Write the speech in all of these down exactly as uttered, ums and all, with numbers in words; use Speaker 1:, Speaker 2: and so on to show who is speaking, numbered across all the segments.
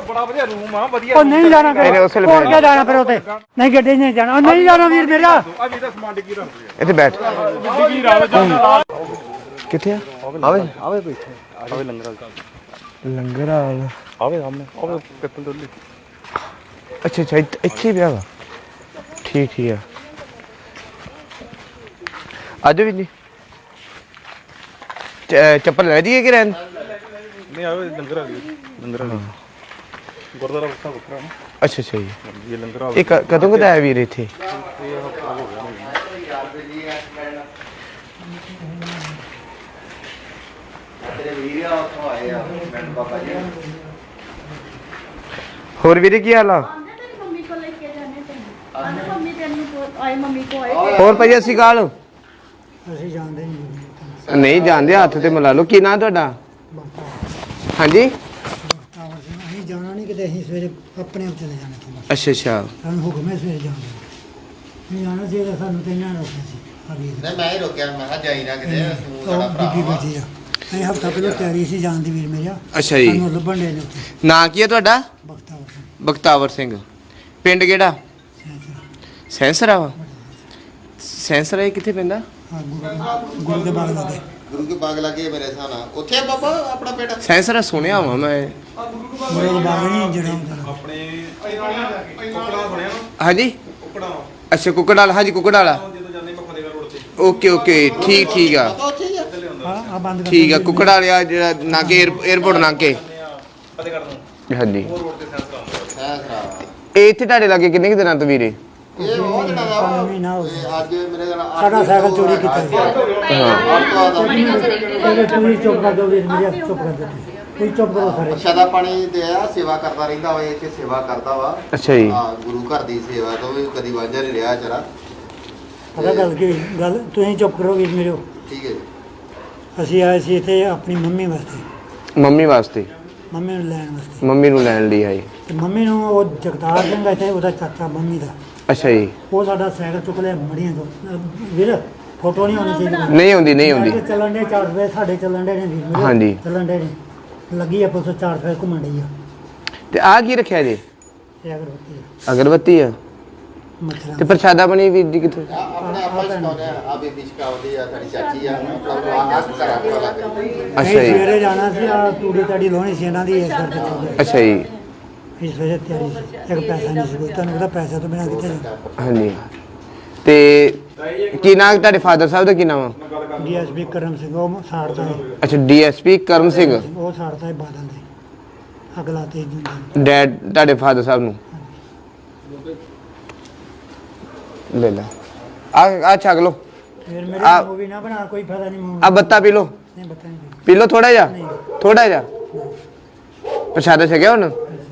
Speaker 1: ਬੜਾ ਵਧੀਆ ਰੂਮ ਆ ਵਧੀਆ
Speaker 2: ਉਹ ਨਹੀਂ ਜਾਣਾ ਹੋਰ ਕਿਆ ਜਾਣਾ ਫਿਰ ਉੱਥੇ ਨਹੀਂ ਗੱਡੀ ਨਹੀਂ ਜਾਣਾ ਉਹ ਨਹੀਂ ਜਾਣਾ ਵੀਰ ਮੇਰਾ
Speaker 1: ਆ ਵੀ ਤਾਂ ਸਮਾਨ ਡਿੱਗੀ ਰੱਖ ਲਿਆ
Speaker 3: ਇੱਥੇ ਬੈਠ
Speaker 1: ਡਿੱਗੀ ਰਾਵ ਜਾਂਦਾ
Speaker 3: ਕਿੱਥੇ ਆ ਆਵੇ
Speaker 1: ਆਵੇ ਬੈਠੇ ਆਵੇ ਲੰਗਰ
Speaker 3: ਲੰਗਰ ਵਾਲ
Speaker 1: ਆਵੇ ਸਾਹਮਣੇ ਆਵੇ ਪਿੱਤਲ ਡੋਲੀ
Speaker 3: ਅੱਛਾ ਅੱਛਾ ਇੱਥੇ ਪਿਆ ਵਾ ਠੀਕ ਠੀਕ ਆ ਅੱਜ ਵੀ ਨਹੀਂ ਚੱਪਲ ਲੈ ਜੀਏ ਕਿ ਰਹਿਣ
Speaker 1: ਨਹੀਂ ਆਵੇ ਲੰਗਰ ਆ ਗਈ ਲੰਗਰ ਆ ਗੁਰਦੁਆਰਾ ਵੱਖਰਾ ਵੱਖਰਾ ਨਾ
Speaker 3: ਅੱਛਾ ਅੱਛਾ ਜੀ
Speaker 1: ਇਹ ਲੰਗਰ ਆ
Speaker 3: ਇਹ ਕਦੋਂ ਕਦਾ ਆਇਆ ਵੀਰ ਇੱਥੇ ਹੋਰ ਵੀਰੇ ਕੀ ਹਾਲ ਆ ਹੋਰ ਭਾਈ ਅਸੀਂ ਕਾਲ
Speaker 2: ਅਸੀਂ ਜਾਣਦੇ ਨਹੀਂ
Speaker 3: ਨਹੀਂ ਜਾਣਦੇ ਹੱਥ ਤੇ ਮਿਲਾ ਲਓ ਕੀ ਨਾਂ ਤੁਹਾਡਾ ਹਾਂਜੀ
Speaker 2: ਅਸੀਂ ਜਾਣਾ ਨਹੀਂ ਕਿਤੇ ਅਸੀਂ ਸਵੇਰੇ ਆਪਣੇ ਆਪ ਚਲੇ ਜਾਣਾ ਸੀ
Speaker 3: ਅੱਛਾ ਅੱਛਾ
Speaker 2: ਸਾਨੂੰ ਹੁਕਮ ਹੈ ਸਵੇਰੇ ਜਾਣ ਦਾ ਨਹੀਂ ਜਾਣਾ ਸੀ ਸਾਨੂੰ ਤੇ ਨਾ ਰੋਕਿਆ ਸੀ
Speaker 4: ਨਹੀਂ ਮੈਂ ਹੀ ਰੋਕਿਆ ਮੈਂ ਕਿਹਾ ਜਾਈ ਨਾ ਕਿਤੇ ਤੂੰ ਸਾਡਾ
Speaker 2: ਉਹ
Speaker 4: ਭਰਾ
Speaker 2: ਬੀਬੀ
Speaker 4: ਵਾ
Speaker 2: ਬੈਠੀ ਆ ਅਸੀਂ ਹਫਤਾ ਪਹਿਲਾਂ ਤਿਆਰੀ ਸੀ ਜਾਣ ਦੀ ਵੀਰ ਮੇਰਾ
Speaker 3: ਅੱਛਾ ਜੀ
Speaker 2: ਸਾਨੂੰ ਲੱਭਣ ਦੇ ਨੇ ਉੱਥੇ
Speaker 3: ਨਾਂ ਕੀ ਹੈ ਤੁਹਾਡਾ
Speaker 2: ਬਖਤਾਵਰ ਸਿੰਘ
Speaker 3: ਬਖਤਾਵਰ ਸਿੰਘ ਪਿੰਡ ਕਿਹੜਾ
Speaker 2: ਸੈਂਸਰ।
Speaker 3: ਸੈਂਸਰਾ ਵਾ ਸੈਂਸਰਾ ਇਹ ਕਿੱਥੇ ਪੈਂਦਾ
Speaker 2: ਹਾਂ ਗੁਰੂ ਗੁਰੂ ਦੇ ਬਾਗ ਲੱਗੇ
Speaker 4: ਗੁਰੂ ਕੇ ਬਾਗ ਲੱਗੇ ਮੇਰੇ ਹਿਸਾਬ ਨਾਲ ਉੱਥੇ ਆ ਬਾਬਾ ਆਪਣਾ ਬੇਟਾ
Speaker 3: ਸੈਂਸਰਾ ਸੁਣਿਆ ਵਾ ਮੈਂ
Speaker 2: ਗੁਰੂ ਦੇ ਬਾਗ ਨਹੀਂ ਜਿਹੜਾ ਹੁੰਦਾ
Speaker 1: ਆਪਣੇ ਕੁਕੜਾ ਬਣਿਆ ਨਾ
Speaker 3: ਹਾਂਜੀ
Speaker 1: ਕੁਕੜਾ
Speaker 3: ਅੱਛਾ ਕੁੱਕੜ ਵਾਲਾ ਹਾਂਜੀ ਕੁੱਕੜ ਵਾਲਾ
Speaker 1: ਜਦੋਂ ਜਾਂਦੇ ਮੱਖਣੇਗਾ ਰੋਡ ਤੇ
Speaker 3: ਓਕੇ ਓਕੇ ਠੀਕ ਠੀਕ ਆ
Speaker 4: ਪਤਾ ਉੱਥੇ ਹੀ ਆ
Speaker 2: ਹਾਂ ਆ ਬੰਦ ਕਰ
Speaker 3: ਠੀਕ ਆ ਕੁੱਕੜ ਵਾਲਿਆ ਜਿਹੜਾ ਨਾਕੇ 에어ਪੋਰਟ ਨਾਕੇ
Speaker 1: ਫਤਿਹਗੜ੍ਹ ਨੂੰ
Speaker 3: ਹਾਂਜੀ
Speaker 1: ਉਹ ਰੋਡ ਤੇ ਸੈਂਸ ਕਰਾਉਂਦਾ
Speaker 4: ਸਹਿ ਖਰਾਬ
Speaker 3: ਇਹ ਇੱਥੇ ਤੁਹਾਡੇ ਲਾਗੇ ਕਿੰਨੇ ਕੁ ਦਿਨਾਂ ਤੋਂ ਵੀਰੇ
Speaker 4: ਇਹ ਉਹ ਦਿਨਾਂ ਦਾ ਵਾ।
Speaker 2: ਮਹੀਨਾ ਹੋ
Speaker 4: ਇਹ ਅੱਜ ਮੇਰੇ ਨਾਲ ਅੱਠ
Speaker 2: ਸਾਡਾ ਸਾਈਕਲ ਚੋਰੀ ਕੀਤਾ ਸੀ
Speaker 4: ਅੱਠ ਤੋਂ ਬਾਅਦ
Speaker 2: ਇਹਨੇ ਪੂਰੀ ਚੁੱਪ ਕਰ ਦਿਓ ਵੀਰ ਮੇਰਾ ਚੁੱਪ ਕਰ ਦਿਓ ਕੋਈ ਚੁੱਪ ਕਰੋ ਸਾਰੇ
Speaker 4: ਪ੍ਰਸ਼ਾਦਾ ਪਾਣੀ ਦੇ ਆ ਸੇਵਾ ਕਰਦਾ ਰਹਿੰਦਾ ਵਾ ਇੱਥੇ ਸੇਵਾ ਕਰਦਾ ਵਾ
Speaker 3: ਅੱਛਾ ਜੀ
Speaker 4: ਹਾਂ ਗੁਰੂ ਘਰ ਦੀ ਸੇਵਾ ਤੋਂ ਵੀ ਕਦੀ ਵਾਂਝਾ ਨਹੀਂ ਰਿਹਾ ਜਰਾ
Speaker 2: ਪਤਾ ਗੱਲ ਕੀ ਹੋਈ? ਗੱਲ ਤੁਸੀਂ ਚੁੱਪ ਕਰੋ ਵੀਰ ਮੇਰੇ
Speaker 4: ਠੀਕ ਹੈ ਜੀ
Speaker 2: ਅਸੀਂ ਆਏ ਸੀ ਇੱਥੇ ਆਪਣੀ ਮੰਮੀ ਵਾਸਤੇ
Speaker 3: ਮੰਮੀ ਵਾਸਤੇ
Speaker 2: ਮੰਮੀ ਨੂੰ ਲੈਣ ਵਾਸਤੇ
Speaker 3: ਮੰਮੀ ਨੂੰ ਲੈਣ ਲਈ ਆਈ
Speaker 2: ਤੇ ਮੰਮੀ ਨੂੰ ਉਹ ਜਗਤਾਰ ਸਿੰਘ ਇੱਥੇ ਉਹਦਾ ਚਾਚਾ ਮੰਮੀ ਦਾ
Speaker 3: ਅੱਛਾ ਜੀ
Speaker 2: ਉਹ ਸਾਡਾ ਸਾਈਕਲ ਚੁੱਕ ਲਿਆ ਮੜੀਆਂ ਤੋਂ ਅਹ ਵੀਰ ਫੋਟੋ ਨਹੀਂ ਆਉਣੀ ਚਾਹੀਦੀ
Speaker 3: ਨਹੀਂ ਆਉਂਦੀ ਨਹੀਂ ਆਉਂਦੀ
Speaker 2: ਸਾਡੇ ਚੱਲਣ ਦੇ ਚਾਰ ਰੁਪਏ ਸਾਡੇ ਚੱਲਣ ਦੇ ਨੇ ਵੀਰ ਮੇਰੇ
Speaker 3: ਹਾਂਜੀ।
Speaker 2: ਚੱਲਣ ਦੇ ਨੇ ਲੱਗੀ ਆ ਪੁੱਛੋ ਚਾਰ ਰੁਪਏ ਘੁੰਮਣ ਡਈ ਆ
Speaker 3: ਤੇ ਆਹ ਕੀ ਰੱਖਿਆ ਜੀ
Speaker 2: ਇਹ ਅਗਰਬੱਤੀ ਆ
Speaker 3: ਅਗਰਬੱਤੀ ਆ
Speaker 2: ਮੱਛਰਾਂ
Speaker 3: ਤੇ ਪ੍ਰਸ਼ਾਦਾ ਬਣੀ ਵੀਰ ਜੀ ਕਿੱਥੇ
Speaker 4: ਆ ਆਪਣੇ ਆਪਾਂ ਸਿਖਾਉਂਦੇ ਆ ਆ ਬੇਬੀ ਸਿਖਾਉਂਦੀ ਆ ਸਾਡੀ ਚਾਚੀ ਆ ਆਪਣਾ ਆਸ ਕਰਾ ਕੇ ਲੱਗ
Speaker 3: ਅੱਛਾ
Speaker 2: ਅਸੀਂ
Speaker 3: ਜੀ
Speaker 2: ਸਵੇਰੇ ਜਾਣਾ ਸੀ ਆ ਤੂੜੀ ਤਾੜੀ ਲਾਉਣੀ ਸੀ ਇਹਨਾਂ ਦੀ ਇਸ ਕਰਕੇ ਚੱਲਦੇ
Speaker 3: ਅੱਛਾ ਜੀ
Speaker 2: ਅਸੀਂ ਸਵੇਰੇ ਤਿਆਰੀ ਸੀ ਇੱਕ ਪੈਸਾ ਨਹੀਂ ਸੀ ਕੋਈ ਤੁਹਾਨੂੰ ਪਤਾ ਪੈਸਾ ਤੋਂ ਬਿਨਾਂ ਕਿੱਥੇ ਜਾਣਾ
Speaker 3: ਹਾਂਜੀ ਤੇ ਕੀ ਨਾਮ ਤੁਹਾਡੇ ਫਾਦਰ ਸਾਹਿਬ ਦਾ ਕੀ ਨਾਮ ਆ
Speaker 2: ਡੀਐਸਪੀ ਕਰਮ ਸਿੰਘ ਉਹ ਸਾੜਦਾ ਹੈ
Speaker 3: ਅੱਛਾ ਡੀਐਸਪੀ ਕਰਮ ਸਿੰਘ
Speaker 2: ਉਹ ਸਾੜਦਾ ਹੈ ਬਾਦਲ ਦੇ ਅਗਲਾ ਤੇ ਜੁੰਦਾ
Speaker 3: ਡੈਡ ਤੁਹਾਡੇ ਫਾਦਰ ਸਾਹਿਬ ਨੂੰ ਲੈ ਲੈ ਆ ਆ ਛਕ ਲੋ
Speaker 2: ਫਿਰ ਮੇਰੇ
Speaker 3: ਆ-
Speaker 2: ਮੂਵੀ ਨਾ ਬਣਾ ਕੋਈ ਫਾਇਦਾ ਨਹੀਂ ਮੂਵੀ
Speaker 3: ਆ ਬੱਤਾ ਪੀ ਲੋ
Speaker 2: ਨਹੀਂ ਬਤਾ ਨਹੀਂ
Speaker 3: ਪੀ ਲੋ ਥੋੜਾ ਜਿਹਾ ਥੋੜਾ ਜਿਹਾ ਪ੍ਰਸ਼ਾਦਾ ਛਕਿਆ ਹੁਣ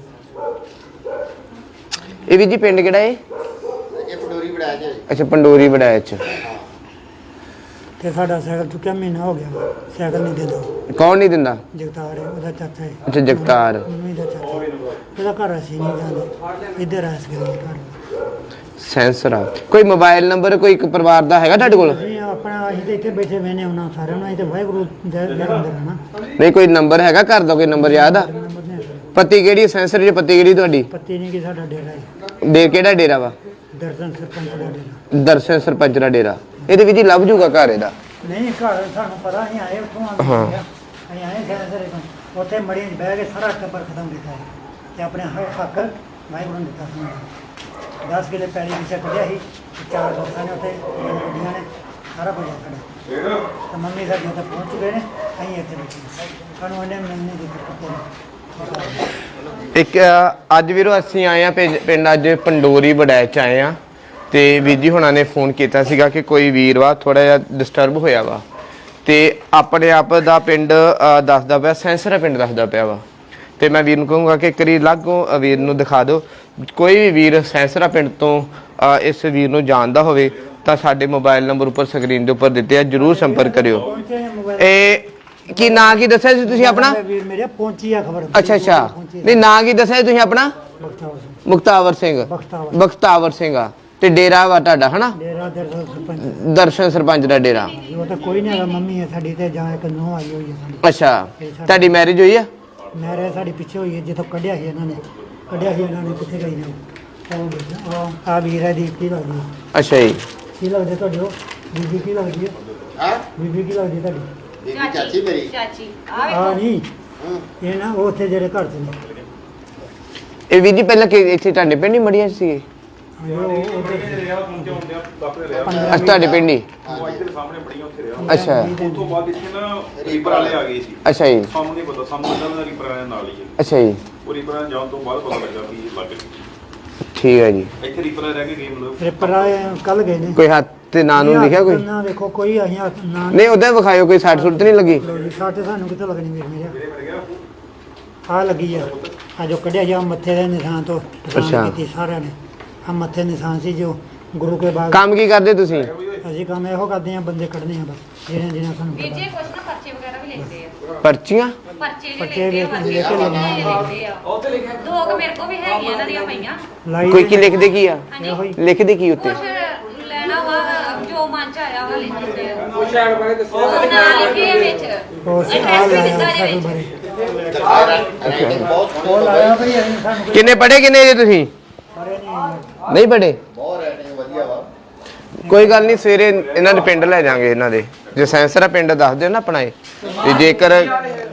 Speaker 3: ਇਹ ਵੀ ਜੀ ਪਿੰਡ ਕਿਹੜਾ ਏ
Speaker 4: ਇਹ ਪਟੋਰੀ ਬੜਾ ਜੇ
Speaker 3: ਅੱਛਾ ਪੰਡੋਰੀ ਬੜਾਇਆ ਚ
Speaker 2: ਤੇ ਸਾਡਾ ਸਾਈਕਲ ਚੁੱਕਿਆ ਮਹੀਨਾ ਹੋ ਗਿਆ ਵਾ। ਸਾਈਕਲ ਨਹੀਂ ਦਿੰਦਾ
Speaker 3: ਕੌਣ ਨਹੀਂ ਦਿੰਦਾ
Speaker 2: ਜਗਤਾਰ ਹੈ ਉਹਦਾ ਚਾਚਾ ਹੈ
Speaker 3: ਅੱਛਾ ਜਗਤਾਰ
Speaker 2: ਮੰਮੀ ਦਾ ਚਾਚਾ ਉਹਦਾ ਘਰ ਅਸੀਂ ਨਹੀਂ ਜਾਂਦੇ ਇੱਧਰ ਆਸ ਗਏ ਘਰ
Speaker 3: ਸੈਂਸਰਾ ਕੋਈ ਮੋਬਾਈਲ ਨੰਬਰ ਕੋਈ ਇੱਕ ਪਰਿਵਾਰ ਦਾ ਹੈਗਾ ਤੁਹਾਡੇ ਕੋਲ
Speaker 2: ਅਸੀਂ ਆਪਣਾ ਅਸੀਂ ਤੇ ਇੱਥੇ ਬੈਠੇ ਵੇਨੇ ਉਹਨਾਂ ਸਾਰਿਆਂ ਨੂੰ ਅਸੀਂ ਤੇ ਵਾਹਿਗੁਰੂ ਦੇ ਦੇ ਅੰਦਰ ਆ ਨਾ
Speaker 3: ਨਹੀਂ ਕੋਈ ਨੰਬਰ ਹੈਗਾ ਘਰ ਦਾ ਕੋਈ ਨੰਬਰ ਯਾਦ ਆ
Speaker 2: ਨੰਬਰ ਨਹੀਂ ਹੈਗਾ।
Speaker 3: ਪਤੀ ਕਿਹੜੀ ਸੈਂਸਰ ਜੀ ਪਤੀ ਕਿਹੜੀ ਤੁਹਾਡੀ
Speaker 2: ਪੱਤੀ ਨਹੀਂ ਕਿ ਸਾਡਾ ਡੇਰਾ ਹੈ
Speaker 3: ਡੇ ਕਿਹੜਾ ਡੇਰਾ ਵਾ
Speaker 2: ਦਰਸ਼ਨ ਸਰਪੰਚ ਦਾ ਡੇਰਾ
Speaker 3: ਦਰਸ਼ਨ ਸਰਪੰਚ ਦਾ ਡੇਰਾ ਇਹਦੇ ਵਿੱਚ ਹੀ ਲੱਭ ਜੂਗਾ ਘਰ ਇਹਦਾ
Speaker 2: ਨਹੀਂ ਘਰ ਸਾਨੂੰ ਪਤਾ ਅਸੀਂ ਆਏ ਉੱਥੋਂ ਆ
Speaker 3: ਹਾਂ।
Speaker 2: ਅਸੀਂ ਆਏ ਸਾਰੇ ਤੋਂ ਉੱਥੇ ਮੜੀਆਂ 'ਚ ਬਹਿ ਕੇ ਸਾਰਾ ਟੱਬਰ ਖਤਮ ਕੀਤਾ ਹੈ ਤੇ ਆਪਣੇ ਹੱਕ ਹੱਕ ਵਾਹਿਗੁਰੂ ਨੇ ਦਿੱਤਾ ਸਾਨੂੰ ਦਸ ਕਿਲੇ ਪੈਲੀ ਪਿੱਛੇ ਕੱਢਿਆ ਸੀ ਤੇ ਚਾਰ ਦੋਸਤਾਂ ਨੇ ਉੱਥੇ ਗੱਡੀਆਂ ਨੇ ਸਾਰਾ ਕੁਝ ਸਾਡਾ ਤੇ ਮੰਮੀ ਸਾਡੀ ਉੱਥੇ ਪਹੁੰਚ ਚੁੱਕੇ ਨੇ ਅਸੀਂ ਇੱਥੇ ਬੈਠੇ ਹਾਂ। ਸਾਨੂੰ ਉਹਨੇ ਮੰਮੀ ਦੀ ਦਿੱਕਤ
Speaker 3: ਇੱਕ ਅ, ਅੱਜ ਵੀਰੋ ਅਸੀਂ ਆਏ ਆ ਪਿੰਡ ਅੱਜ ਪੰਡੋਰੀ ਬੜੈਚ ਚ ਆਏ ਆ ਤੇ ਵੀਰ ਜੀ ਹੁਣਾਂ ਨੇ ਫੋਨ ਕੀਤਾ ਸੀਗਾ ਕਿ ਕੋਈ ਵੀਰ ਵਾ ਥੋੜਾ ਜਿਹਾ ਡਿਸਟਰਬ ਹੋਇਆ ਵਾ ਤੇ ਆਪਣੇ ਆਪ ਦਾ ਪਿੰਡ ਅ, ਦੱਸਦਾ ਪਿਆ ਸੈਂਸਰਾ ਪਿੰਡ ਦੱਸਦਾ ਪਿਆ ਵਾ ਤੇ ਮੈਂ ਵੀਰ ਨੂੰ ਕਹੂੰਗਾ ਕਿ ਕਰੀ ਲਾਗੋਂ ਵੀਰ ਨੂੰ ਦਿਖਾ ਦਿਓ ਕੋਈ ਵੀ ਵੀਰ ਸੈਂਸਰਾ ਪਿੰਡ ਤੋਂ ਅ, ਇਸ ਵੀਰ ਨੂੰ ਜਾਣਦਾ ਹੋਵੇ ਤਾਂ ਸਾਡੇ ਮੋਬਾਈਲ ਨੰਬਰ ਉੱਪਰ ਸਕਰੀਨ ਦੇ ਉੱਪਰ ਦਿੱਤੇ ਆ ਜਰੂਰ ਸੰਪਰਕ ਕਰਿਓ।
Speaker 2: ਪਹੁੰਚੇ ਨੇ ਮੋਬਾਈਲ
Speaker 3: ਇਹ ਕੀ ਨਾਂ ਕੀ ਦੱਸਿਆ ਸੀ ਤੁਸੀਂ ਆਪਣਾ
Speaker 2: ਵੀਰ ਮੇਰੇ ਪਹੁੰਚੀ ਆ ਖਬਰ
Speaker 3: ਅੱਛਾ ਅੱਛਾ ਨਹੀਂ ਨਾਂ ਕੀ ਦੱਸਿਆ ਸੀ ਤੁਸੀਂ ਆਪਣਾ
Speaker 2: ਬਖਤਾਵਰ ਸਿੰਘ
Speaker 3: ਮੁਕਤਾਵਰ ਸਿੰਘ
Speaker 2: ਬਖਤਾਵਰ
Speaker 3: ਬਖਤਾਵਰ ਸਿੰਘ ਆ ਤੇ ਡੇਰਾ ਵਾ ਤੁਹਾਡਾ ਹਨਾ
Speaker 2: ਡੇਰਾ ਦਰਸ਼ਨ ਸਰਪੰਚ
Speaker 3: ਦਰਸ਼ਨ ਸਰਪੰਚ ਦਾ ਡੇਰਾ
Speaker 2: ਉਹ ਤਾਂ ਕੋਈ ਨਹੀਂ ਹੈਗਾ ਮੰਮੀ ਹੈ ਸਾਡੀ ਤੇ ਜਾਂ ਇੱਕ ਨੂੰਹ ਆਈ ਹੋਈ ਹੈ ਸਾਡੀ
Speaker 3: ਅੱਛਾ ਤੁਹਾਡੀ ਮੈਰਿਜ ਹੋਈ ਆ
Speaker 2: ਨਹਿਰ ਸਾਡੀ ਪਿੱਛੇ ਹੋਈ ਹੈ, ਜਿੱਥੋਂ ਕੱਢਿਆ ਸੀ ਇਹਨਾਂ ਨੇ ਕੱਢਿਆ ਸੀ ਇਹਨਾਂ ਨੇ ਕਿੱਥੇ ਗਈ ਨੇ ਉਹ ਉਹ ਵੇਖ, ਉਹ ਆ ਵੀਰ ਹੈ ਦੀ ਕੀ ਲੱਗਦੀ ਹੈ?
Speaker 3: ਅੱਛਾ ਜੀ।
Speaker 2: ਕੀ ਲੱਗਦੇ ਤੁਹਾਡੇ ਉਹ ਬੀਬੀ ਕੀ ਲੱਗਦੀ ਹੈ?
Speaker 4: ਹਾਂ
Speaker 2: ਬੀਬੀ ਕੀ ਲੱਗਦੀ ਤੁਹਾਡੀ?
Speaker 4: ਬੀਬੀ ਚਾਚੀ ਮੇਰੀ
Speaker 5: ਚਾਚੀ ਆ
Speaker 2: ਆ
Speaker 5: ਵੇਖੋ
Speaker 2: ਨਹੀਂ
Speaker 4: ਹੂੰ
Speaker 2: ਇਹ ਨਾ ਉਹ ਉੱਥੇ ਜਿਹੜੇ ਘਰ 'ਚ ਨੇ
Speaker 3: ਇਹ ਵੀਰ ਜੀ ਪਹਿਲਾਂ ਕਿ ਇੱਥੇ ਤੁਹਾਡੇ ਪਿੰਡ ਹੀ ਮੜੀਆਂ ਸੀਗੇ?
Speaker 2: ਹਾਂ, ਉਹ ਉਹ ਉੱਥੇ
Speaker 1: ਰਿਹਾ ਪਹੁੰਚੇ ਹੁੰਦੇ ਆ ਦੱਸਦੇ ਰਿਹਾ
Speaker 3: ਅੱਛਾ ਤੁਹਾਡੇ ਪਿੰਡ ਹੀ?
Speaker 1: ਉਹ ਇੱਧਰ ਸਾਹਮਣੇ ਬੜੀਆਂ ਉੱਥੇ ਰਿਹਾ
Speaker 3: ਅੱਛਾ
Speaker 1: ਉਸ ਤੋਂ ਬਾਅਦ ਇੱਥੇ ਨਾ ਰੀਪਰ ਵਾਲੇ ਆ ਗਏ ਸੀ
Speaker 3: ਅੱਛਾ ਜੀ।
Speaker 1: ਸਾਨੂੰ ਨਹੀਂ ਪਤਾ ਸਾਨੂੰ ਇਹਨਾਂ ਦਾ ਰੀਪਰ ਵਾਲਿਆਂ ਨਾਲ ਹੀ ਹੈ
Speaker 3: ਅੱਛਾ ਜੀ।
Speaker 1: ਉਹ ਰੀਪਰ ਵਾਲਿਆਂ ਜਾਣ ਤੋਂ ਬਾਅਦ ਪਤਾ ਲੱਗਾ ਵੀ ਇਹ ਲੱਗ ਗਈ
Speaker 3: ਠੀਕ ਹੈ ਜੀ।
Speaker 1: ਇੱਥੇ ਰੀਪਰ ਵਾਲੇ ਰਹਿ ਕੇ ਗਏ ਮਤਲਬ
Speaker 2: ਰਿਪਰ ਕੱਲ ਗਏ ਨੇ
Speaker 3: ਕੋਈ ਹੱਥ ਤੇ ਨਾਂ ਨੂੰ ਲਿਖਿਆ ਕੋਈ?
Speaker 2: ਨਾ ਦੇਖੋ ਕੋਈ ਅਸੀਂ ਹੱਥ ਨਾ
Speaker 3: ਨਹੀਂ ਉਹਦਾ ਵਿਖਾਇਓ, ਕੋਈ ਸੱਟ ਸੁੱਟ ਨਹੀਂ ਲੱਗੀ?
Speaker 2: ਸਾਡੇ ਸਾਨੂੰ ਕਿੱਥੇ ਲੱਗਣੀ ਵੀਰ ਮੇਰੇ
Speaker 1: ਮੇਰੇ ਮਰ ਗਿਆ
Speaker 2: ਆ ਲੱਗੀ ਆ ਆ ਜੋ ਕੱਢਿਆ ਜਾ ਮੱਥੇ ਦੇ ਨਿਸ਼ਾਨ ਤੋਂ
Speaker 3: ਅੱਛਾ।
Speaker 2: ਨਿਸ਼ਾਨ ਕੀਤੀ ਸਾਰਿਆਂ ਨੇ ਆ ਮੱਥੇ ਨਿਸ਼ਾਨ ਸੀ ਜੋ ਗੁਰੂ ਕੇ ਬਾਗ
Speaker 3: ਕੰਮ ਕੀ ਕਰਦੇ ਤੁਸੀਂ?
Speaker 2: ਅਸੀਂ ਕੰਮ ਇਹੋ ਕਰਦੇ ਆ ਬੰਦੇ ਕੱਢਨੇ ਆ ਬਸ ਜਿਹਨਾਂ ਜਿਹਨਾਂ ਸਾਨੂੰ
Speaker 5: ਵੀਰ ਜੀ
Speaker 2: ਪਤਾ।
Speaker 5: ਕੁਛ ਨਾ ਪਰਚੇ ਵਗੈਰਾ ਵੀ ਲਿਖਦੇ ਆ
Speaker 3: ਪਰਚੀਆਂ?
Speaker 5: ਪਰਚੇ ਵੀ
Speaker 2: ਪਰਚੇ
Speaker 5: ਲਿਖਦੇ ਆ
Speaker 2: ਲਿਖ- ਲਿਖ ਕੇ ਲੈਣੇ ਆ।
Speaker 5: ਲਿਖਦੇ ਆ ਦੋ ਕੁ ਮੇਰੇ ਕੋ ਵੀ ਹੈਗੀਆਂ ਇਹਨਾਂ ਦੀਆਂ ਪਈਆਂ
Speaker 2: ਲਾਈ
Speaker 3: ਕੋਈ ਕੀ ਲਿਖਦੇ ਕੀ ਆ?
Speaker 5: ਹਾਂਜੀ
Speaker 2: ਇਹੋ ਹੀ
Speaker 3: ਲਿਖਦੇ ਕੀ ਉੱਤੇ?
Speaker 5: ਕੁਛ ਲੈਣਾ ਵਾ ਜੋ ਮਨ ਚ ਆਇਆ ਵਾ ਲਿਖ ਦਿੰਦੇ ਆ ਉਹ ਸ਼ਾਇਦ ਬਾਰੇ ਦੱਸੋ ਉਹ ਨਾਂ ਲਿਖੇ ਆ ਵਿੱਚ
Speaker 2: ਉਹ
Speaker 5: ਇਹ
Speaker 2: ਆ
Speaker 5: ਟੈਸਟ ਵੀ
Speaker 2: ਲਾਇਆ
Speaker 5: ਦਿੱਤਾ
Speaker 2: ਸਾਡੇ
Speaker 5: ਇਹਦੇ
Speaker 2: ਬਾਰੇ
Speaker 5: ਵਿੱਚ
Speaker 4: ਬਹੁਤ
Speaker 2: ਉਹ
Speaker 4: ਸੋਹਣੇ
Speaker 2: ਲਾਇਆ ਭਈ ਅਸੀਂ ਸਾਨੂੰ ਕੋਈ
Speaker 3: ਕਿੰਨੇ ਪੜ੍ਹੇ ਕਿੰਨੇ ਜੇ ਤੁਸੀਂ?
Speaker 2: ਪਰੇ ਨਹੀਂ
Speaker 3: ਨਹੀਂ ਪੜ੍ਹੇ?
Speaker 4: ਬਹੁਤ ਰਹਿਣੇ ਵਧੀਆ ਵਾ
Speaker 3: ਕੋਈ ਗੱਲ ਨਹੀਂ, ਸਵੇਰੇ ਇਹਨਾਂ ਦੇ ਪਿੰਡ ਲੈ ਜਾਾਂਗੇ। ਇਹਨਾਂ ਦੇ ਜੇ ਸੈਂਸਰਾ ਪਿੰਡ ਦੱਸ ਦਿਓ ਨਾ ਆਪਣਾ ਇਹ, ਤੇ ਜੇਕਰ
Speaker 4: ਜੇ